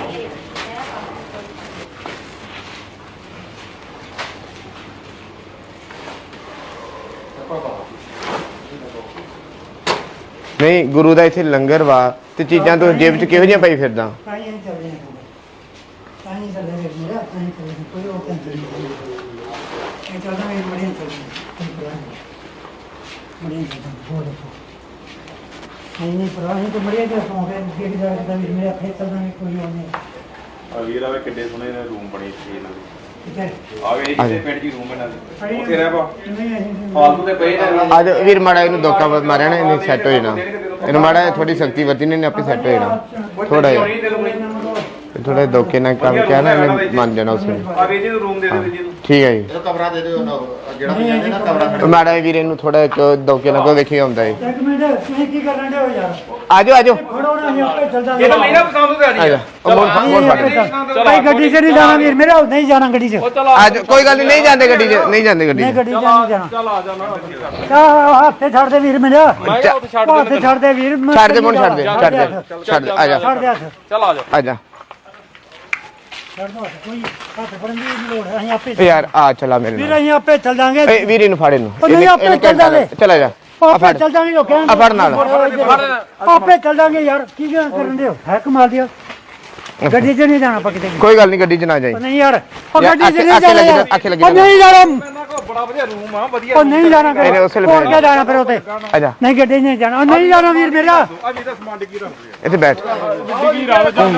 Speaker 3: ਨਹੀਂ ਗੁਰੂ ਦਾ ਇੱਥੇ ਲੰਗਰ ਵਾ ਤੇ ਚੀਜ਼ਾਂ ਤੋਂ ਜੇਬ 'ਚ ਕਿਹੋ ਜਿਹੀਆਂ ਪਾਈ ਫਿਰਦਾ
Speaker 2: ਤਾਂ ਹੀ ਅਸੀਂ ਚੱਲਦੇ ਹਾਂ ਤਾਂ ਹੀ ਚੱਲਦੇ ਵੀਰ ਮੇਰਾ ਤਾਂ ਹੀ ਚੱਲਦੇ ਕੋਈ ਉਹ ਟੈਨਸ਼ਨ ਨਹੀਂ ਇਹ ਚੱਲਦਾ ਮੈਂ ਮੜੀਆਂ ਚੱਲਦੇ ਮੜੀਆਂ ਚੱਲਦੇ ਹੋਰ ਦੱਸੋ ਨਹੀਂ ਨਹੀਂ ਪਰ ਅਸੀਂ ਤਾਂ ਮੜੀਆਂ ਚ ਸੌਂ ਗਏ ਜਿਹੜੀ ਜਗ੍ਹਾ ਤੇ ਵੀਰ ਮੇਰੇ ਅੱਖੇ ਚੱਲਦਾ ਨਹੀਂ ਕੋਈ ਉਹ ਨਹੀਂ
Speaker 1: ਆ ਵੀਰ ਆਵੇ ਕਿੱਡੇ ਸੋਹਣੇ ਨੇ ਰੂਮ ਬਣੇ ਸੀ ਇਹਨਾਂ ਦੇ
Speaker 2: ਕਿੱਥੇ
Speaker 1: ਆਵੇ ਜੀ ਤੇ ਪਿੰਡ ਜੀ ਰੂਮ ਇਹਨਾਂ ਦੇ ਉੱਥੇ ਰਹਿ ਪਾ
Speaker 2: ਨਹੀਂ ਅਸੀਂ
Speaker 1: ਫਾਲਤੂ ਤੇ ਪਏ ਨੇ
Speaker 3: ਅੱਜ ਵੀਰ ਮਾੜਾ ਇਹਨੂੰ ਦੋਕਾ ਮਾਰਿਆ ਨਾ ਇਹਨੇ ਸੈੱਟ ਹੋ ਜਾਣਾ ਇਹਨੂੰ ਮਾੜਾ ਥੋੜੀ ਸ਼ਕਤੀ ਵਰਤੀ ਨੇ ਇਹਨੇ ਆਪੇ ਸੈੱਟ ਹੋ ਜਾਣਾ ਥੋੜਾ ਜਿਹਾ ਥੋੜਾ ਦੋਕੇ ਨਾਲ ਕੰਮ ਕਿਹਾ ਨਾ ਇਹਨੇ ਮੰਨ ਜਾਣਾ ਉਸ ਵੇਲੇ
Speaker 1: ਆ ਵੇ ਜੀ ਨੂੰ ਰੂਮ ਦੇ ਦੇ ਜੀ ਨੂੰ
Speaker 3: ਠੀਕ ਹੈ ਜੀ
Speaker 4: ਇਹਦਾ ਕਮਰਾ ਦੇ ਦਿਓ ਨਾ ਜਿਹੜਾ ਵੀ ਜਾਂਦੇ ਨਾ ਕਮਰਾ
Speaker 3: ਮਾੜਾ ਵੀਰ ਇਹਨੂੰ ਥੋੜਾ ਇੱਕ ਦੋਕੇ ਨਾਲ ਕੋ ਵੇਖੀ ਆਉਂਦਾ ਹੈ
Speaker 2: ਇੱਕ ਮਿੰਟ ਤੁਸੀਂ ਕੀ ਕਰਨ ਦੇ ਹੋ ਯਾਰ
Speaker 3: ਆਜੋ ਆਜੋ
Speaker 2: ਫੜੋ ਨਾ ਅਸੀਂ ਆਪੇ ਚੱਲ ਜਾਵਾਂਗੇ
Speaker 6: ਇਹ ਤਾਂ ਮੇਰਾ ਪਸੰਦ ਤੇ ਆ ਜੀ
Speaker 3: ਆਜਾ ਉਹ ਮੋੜ ਮੋੜ ਫੜ
Speaker 2: ਭਾਈ ਗੱਡੀ 'ਚ ਨਹੀਂ ਜਾਣਾ ਵੀਰ ਮੇਰਾ ਨਹੀਂ ਜਾਣਾ ਗੱਡੀ 'ਚ
Speaker 3: ਆਜੋ ਕੋਈ ਗੱਲ ਨਹੀਂ ਨਹੀਂ ਜਾਂਦੇ ਗੱਡੀ 'ਚ ਨਹੀਂ ਜਾਂਦੇ ਗੱਡੀ
Speaker 2: ਨਹੀਂ
Speaker 3: 'ਚ
Speaker 2: ਗੱਡੀ 'ਚ ਨਹੀਂ ਜਾਣਾ
Speaker 6: ਚੱਲ ਆ ਜਾ ਨਾ
Speaker 2: ਆ ਹੱਥੇ ਛੱਡ ਦੇ ਵੀਰ ਮੇਰਾ
Speaker 6: ਮੈਂ ਕਿਹਾ ਉੱਥੇ ਛੱਡ
Speaker 2: ਹੱਥੇ
Speaker 6: ਦੇ
Speaker 2: ਛੱਡ ਦੇ ਵੀਰ ਮੈਂ
Speaker 3: ਛੱਡ ਦੇ ਮੋੜ ਛੱਡ ਦੇ ਛੱਡ ਦੇ ਛੱਡ ਦੇ ਆਜਾ
Speaker 2: ਛੱਡ ਦੇ ਹੱਥ
Speaker 6: ਚੱਲ ਆ ਜਾ
Speaker 3: ਆਜਾ
Speaker 2: ਛੱਡ ਦੋ ਹੱਥ, ਕੋਈ ਹੱਥ ਫੜਨ ਦੀ ਨਹੀਂ ਲੋੜ ਅਸੀਂ ਆਪੇ
Speaker 3: ਏ ਯਾਰ ਆ ਚਲਾ ਮੇਰੇ
Speaker 2: ਵੀਰ
Speaker 3: ਨਾਲ
Speaker 2: ਅਸੀਂ ਆਪੇ ਚੱਲ ਜਾਾਂਗੇ
Speaker 3: ਏ ਵੀਰ ਇਹਨੂੰ ਫੜ ਇਹਨੂੰ
Speaker 2: ਉਹ ਨਹੀਂ,
Speaker 3: ਇਹਨੇ-
Speaker 2: ਆਪੇ
Speaker 3: ਇਹਨੇ
Speaker 2: ਚੱਲ ਜਾਵੇ।
Speaker 3: ਚਲਾ ਜਾ ਆ
Speaker 2: ਆਪੇ
Speaker 3: ਫੜ
Speaker 2: ਚੱਲ ਜਾਾਂਗੇ ਲੋਕਾਂ
Speaker 3: ਆ ਫੜ ਨਾਲ
Speaker 2: ਆਪੇ ਚੱਲ ਜਾਾਂਗੇ ਯਾਰ ਕੀ ਕਰਨ ਦੇ ਹੋ ਹੈ ਕਮਾਲ ਦਿਆ ਗੱਡੀ 'ਚ ਨਹੀਂ ਜਾਣਾ ਆਪਾਂ ਕਿਤੇ ਵੀ।
Speaker 3: ਕੋਈ ਗੱਲ ਨਹੀਂ ਗੱਡੀ 'ਚ ਨਾ ਜਾਈ
Speaker 2: ਉਹ ਨਹੀਂ ਯਾਰ ਉਹ
Speaker 3: ਯਾਰ,
Speaker 2: ਗੱਡੀ 'ਚ ਨਹੀਂ
Speaker 3: ਅੱਖੇ
Speaker 2: ਜਾਣਾ
Speaker 3: ਲੱਗੀ
Speaker 2: ਯਾਰ
Speaker 3: ਅੱਖੇ ਲੱਗੀ
Speaker 2: ਉਹ ਨਹੀਂ ਜਾਣਾ
Speaker 6: ਇਹਨਾਂ ਕੋਲ ਬੜਾ ਵਧੀਆ ਰੂਮ ਆ ਵਧੀਆ
Speaker 2: ਉਹ ਨਹੀਂ ਜਾਣਾ
Speaker 3: ਇਹਨੇ ਉਸੇ ਵੇਲੇ
Speaker 2: ਹੋਰ ਕਿਆ ਜਾਣਾ ਫਿਰ ਉੱਥੇ
Speaker 3: ਆਜਾ
Speaker 2: ਨਹੀਂ ਗੱਡੀ 'ਚ ਨਹੀਂ ਜਾਣਾ ਉਹ ਨਹੀਂ ਜਾਣਾ ਵੀਰ ਮੇਰਾ
Speaker 6: ਆ ਵੀ ਤਾਂ ਸਮਾਨ ਡਿੱਗੀ ਰੱਖ
Speaker 3: ਇੱਥੇ ਬੈਠ
Speaker 6: ਡਿੱਗੀ ਰਾਵ ਜਾ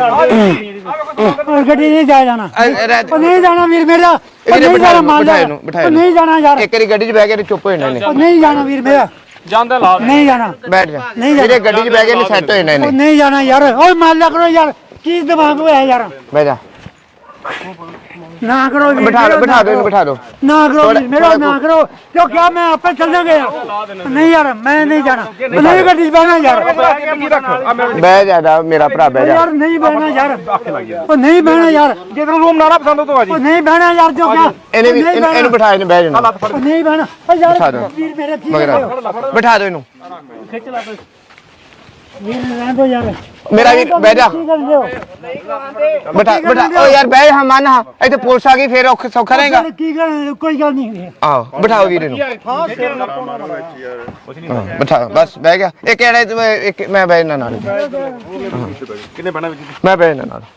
Speaker 2: ਉਹ ਗੱਡੀ 'ਚ ਨਹੀਂ ਜਾਇਆ ਜਾਣਾ
Speaker 3: ਆ, ਰਹਿ
Speaker 2: ਉਹ ਨਹੀਂ ਜਾਣਾ ਵੀਰ ਮੇਰਾ ਉਹ
Speaker 3: ਇਹਨੇ
Speaker 2: ਨਹੀਂ
Speaker 3: ਬਿਠਾ
Speaker 2: ਜਾਣਾ
Speaker 3: ਇਹਨੂੰ,
Speaker 2: ਮੰਨ
Speaker 3: ਬਿਠਾ
Speaker 2: ਲੈ
Speaker 3: ਇਹਨੂੰ, ਬਿਠਾ
Speaker 2: ਉਹ ਨਹੀਂ ਜਾਣਾ ਯਾਰ
Speaker 3: ਇੱਕ ਵਾਰੀ ਗੱਡੀ 'ਚ ਬਹਿ ਕੇ ਇਹਨੇ ਚੁੱਪ ਹੋ ਜਾਣਾ ਇਹਨੇ
Speaker 2: ਉਹ ਨਹੀਂ ਜਾਣਾ ਵੀਰ ਮੇਰਾ
Speaker 6: ਜਾਂਦਾ ਲਾ
Speaker 2: ਨਹੀਂ ਜਾਣਾ
Speaker 3: ਬੈਠ ਜਾ
Speaker 2: ਨਹੀਂ ਜਾਣਾ।
Speaker 3: ਵੀਰੇ ਗੱਡੀ 'ਚ ਬਹਿ ਕੇ ਇਹਨੇ ਸੈੱਟ ਹੋ ਜਾਣਾ
Speaker 2: ਉਹ
Speaker 3: ਇਹਨੇ
Speaker 2: ਨਹੀਂ ਜਾਣਾ ਯਾਰ ਓਏ ਮੰਨ ਲਿਆ ਕਰੋ ਯਾਰ ਕੀ ਦਿਮਾਗ ਹੋਇਆ ਯਾਰ
Speaker 3: ਬਹਿ ਜਾ
Speaker 2: ਨਾ ਕਰੋ ਵੀਰ
Speaker 3: ਬਿਠਾ
Speaker 2: ਮੇਰਾ,
Speaker 3: ਲਓ ਬਿਠਾ ਦਿਓ ਇਹਨੂੰ ਬਿਠਾ ਦਿਓ
Speaker 2: ਨਾ ਕਰੋ
Speaker 3: ਥੋੜਾ-
Speaker 2: ਵੀਰ ਮੇਰਾ ਨਾ ਕਰੋ ਕਿਉਂ ਕਿਹਾ ਮੈਂ ਆਪੇ ਚੱਲ ਜਾਗੇ ਨਹੀਂ ਯਾਰ ਮੈਂ ਨਹੀਂ ਜਾਣਾ ਉਹ ਨਹੀਂ ਗੱਡੀ 'ਚ ਬਹਿਣਾ ਯਾਰ
Speaker 6: ਡਿੱਗੀ ਰੱਖ ਆ ਮੈਂ
Speaker 3: ਬਹਿ ਜਾ ਮੇਰਾ ਭਰਾ
Speaker 2: ਉਹ
Speaker 3: ਬਹਿ ਜਾ
Speaker 2: ਯਾਰ ਨਹੀਂ ਬਹਿਣਾ ਯਾਰ ਉਹ ਨਹੀਂ ਬਹਿਣਾ ਯਾਰ
Speaker 6: ਜੇ ਤੈਨੂੰ ਰੂਮ ਨਾ ਨਾ ਪਸੰਦ ਹੋ ਤੋ ਆ ਜੀ
Speaker 2: ਉਹ ਨਹੀਂ ਬਹਿਣਾ ਯਾਰ ਜੋ ਕਿਹਾ
Speaker 3: ਇਹਨੇ ਵੀ
Speaker 2: ਨਹੀਂ
Speaker 3: ਇਹਨੂੰ ਇਹਨੂੰ ਬਿਠਾ ਇਹਨੂੰ ਬਹਿ ਜਾਣਾ
Speaker 2: ਉਹ ਨਹੀਂ ਬਹਿਣਾ ਉਹ
Speaker 3: ਬਿਠਾ
Speaker 2: ਯਾਰ
Speaker 3: ਦਿਓ।
Speaker 2: ਵੀਰ ਮੇਰੇ ਕੀ
Speaker 3: ਮਗਰ
Speaker 2: ਕਰਦੇ
Speaker 3: ਆ।
Speaker 2: ਹੋ?
Speaker 3: ਬਿਠਾ ਦਿਓ ਇਹਨੂੰ
Speaker 2: ਵੀਰ ਰਹਿਣ ਦਿਓ ਯਾਰ
Speaker 3: ਮੇਰਾ ਵੀਰ ਬਹਿ ਜਾ
Speaker 2: ਕੀ ਕਰਦੇ ਹੋ
Speaker 3: ਬਿਠਾ ਬਿਠਾ ਓ ਯਾਰ ਬਹਿ ਹਾਂ ਮੰਨ ਹਾਂ ਇੱਥੇ ਪੁਲਿਸ ਆ ਗਈ ਫੇਰ ਔਖਾ ਸੌਖਾ ਰਹੇਗਾ
Speaker 2: ਕੀ ਕਰ ਕੋਈ ਗੱਲ ਨਹੀਂ
Speaker 3: ਆਹੋ ਬਿਠਾਓ ਵੀਰ ਇਹਨੂੰ ਹਾਂ, ਬਿਠਾ ਬਸ ਬਹਿ ਗਿਆ ਇਹ ਕਿਹੜਾ ਤੂੰ ਇੱਕ ਮੈਂ ਬਹਿ ਇਹਨਾਂ ਨਾਲ
Speaker 6: ਕਿੰਨੇ ਬਣਾ ਵਿੱਚ
Speaker 3: ਮੈਂ ਬਹਿ ਇਹਨਾਂ ਨਾਲ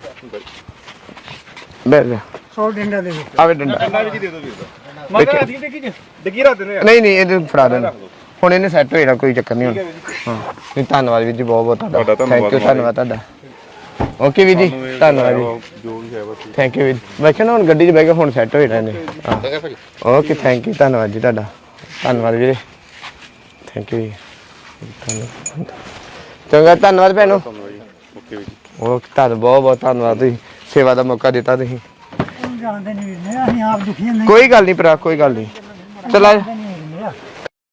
Speaker 3: ਬਹਿ ਜਾ
Speaker 2: ਸੌ ਡੰਡਾ ਦੇ ਦਿਓ
Speaker 3: ਆਵੇ ਡੰਡਾ
Speaker 6: ਕਿੰਨਾ ਵਿੱਚ ਦੇ ਦੋ ਵੀਰ ਮੈਂ ਕਿਹਾ ਅਸੀਂ ਡਿੱਗੀ ਚ ਡਿੱਗੀ ਰੱਖ ਦਿੰਦੇ ਆ
Speaker 3: ਨਹੀਂ ਨਹੀਂ ਇਹਨੂੰ ਫੜਾ ਦੇਣਾ ਹੁਣ ਇਹਨੇ ਸੈੱਟ ਹੋ ਜਾਣਾ ਕੋਈ ਚੱਕਰ ਨਹੀਂ ਹੁਣ ਹਾਂ ਨਹੀਂ ਧੰਨਵਾਦ ਵੀਰ ਜੀ ਬਹੁਤ ਬਹੁਤ ਤੁਹਾਡਾ ਥੈਂਕ ਯੂ ਧੰਨਵਾਦ ਤੁਹਾਡਾ ਓਕੇ ਵੀਰ ਜੀ ਧੰਨਵਾਦ ਜੀ
Speaker 6: ਜੋ ਵੀ ਹੈ ਬਸ
Speaker 3: ਥੈਂਕ ਯੂ ਵੀਰ ਮੈਂ ਕਿਹਾ ਨਾ ਹੁਣ ਗੱਡੀ 'ਚ ਬਹਿ ਕੇ ਹੁਣ ਸੈੱਟ ਹੋ ਜਾਣਾ ਇਹਨੇ ਓਕੇ ਥੈਂਕ ਯੂ ਧੰਨਵਾਦ ਜੀ ਤੁਹਾਡਾ ਧੰਨਵਾਦ ਵੀਰੇ ਥੈਂਕ ਯੂ ਜੀ ਧੰਨਵਾਦ। ਚੰਗਾ ਧੰਨਵਾਦ ਭੈਣੋ
Speaker 6: ਓਕੇ ਵੀਰ
Speaker 3: ਓਕੇ ਤੁਹਾਡਾ ਬਹੁਤ ਬਹੁਤ ਧੰਨਵਾਦ ਤੁਸੀਂ ਸੇਵਾ ਦਾ ਮੌਕਾ ਦਿੱਤਾ ਤੁਸੀਂ
Speaker 2: ਜਾਣਦੇ ਨਹੀਂ ਵੀਰ ਅਸੀਂ ਆਪ ਦੁਖੀ ਹਾਂ ਨਹੀਂ
Speaker 3: ਕੋਈ ਗੱਲ ਨਹੀਂ ਭਰਾ ਕੋਈ ਗੱਲ ਨਹੀਂ ਚਲਾ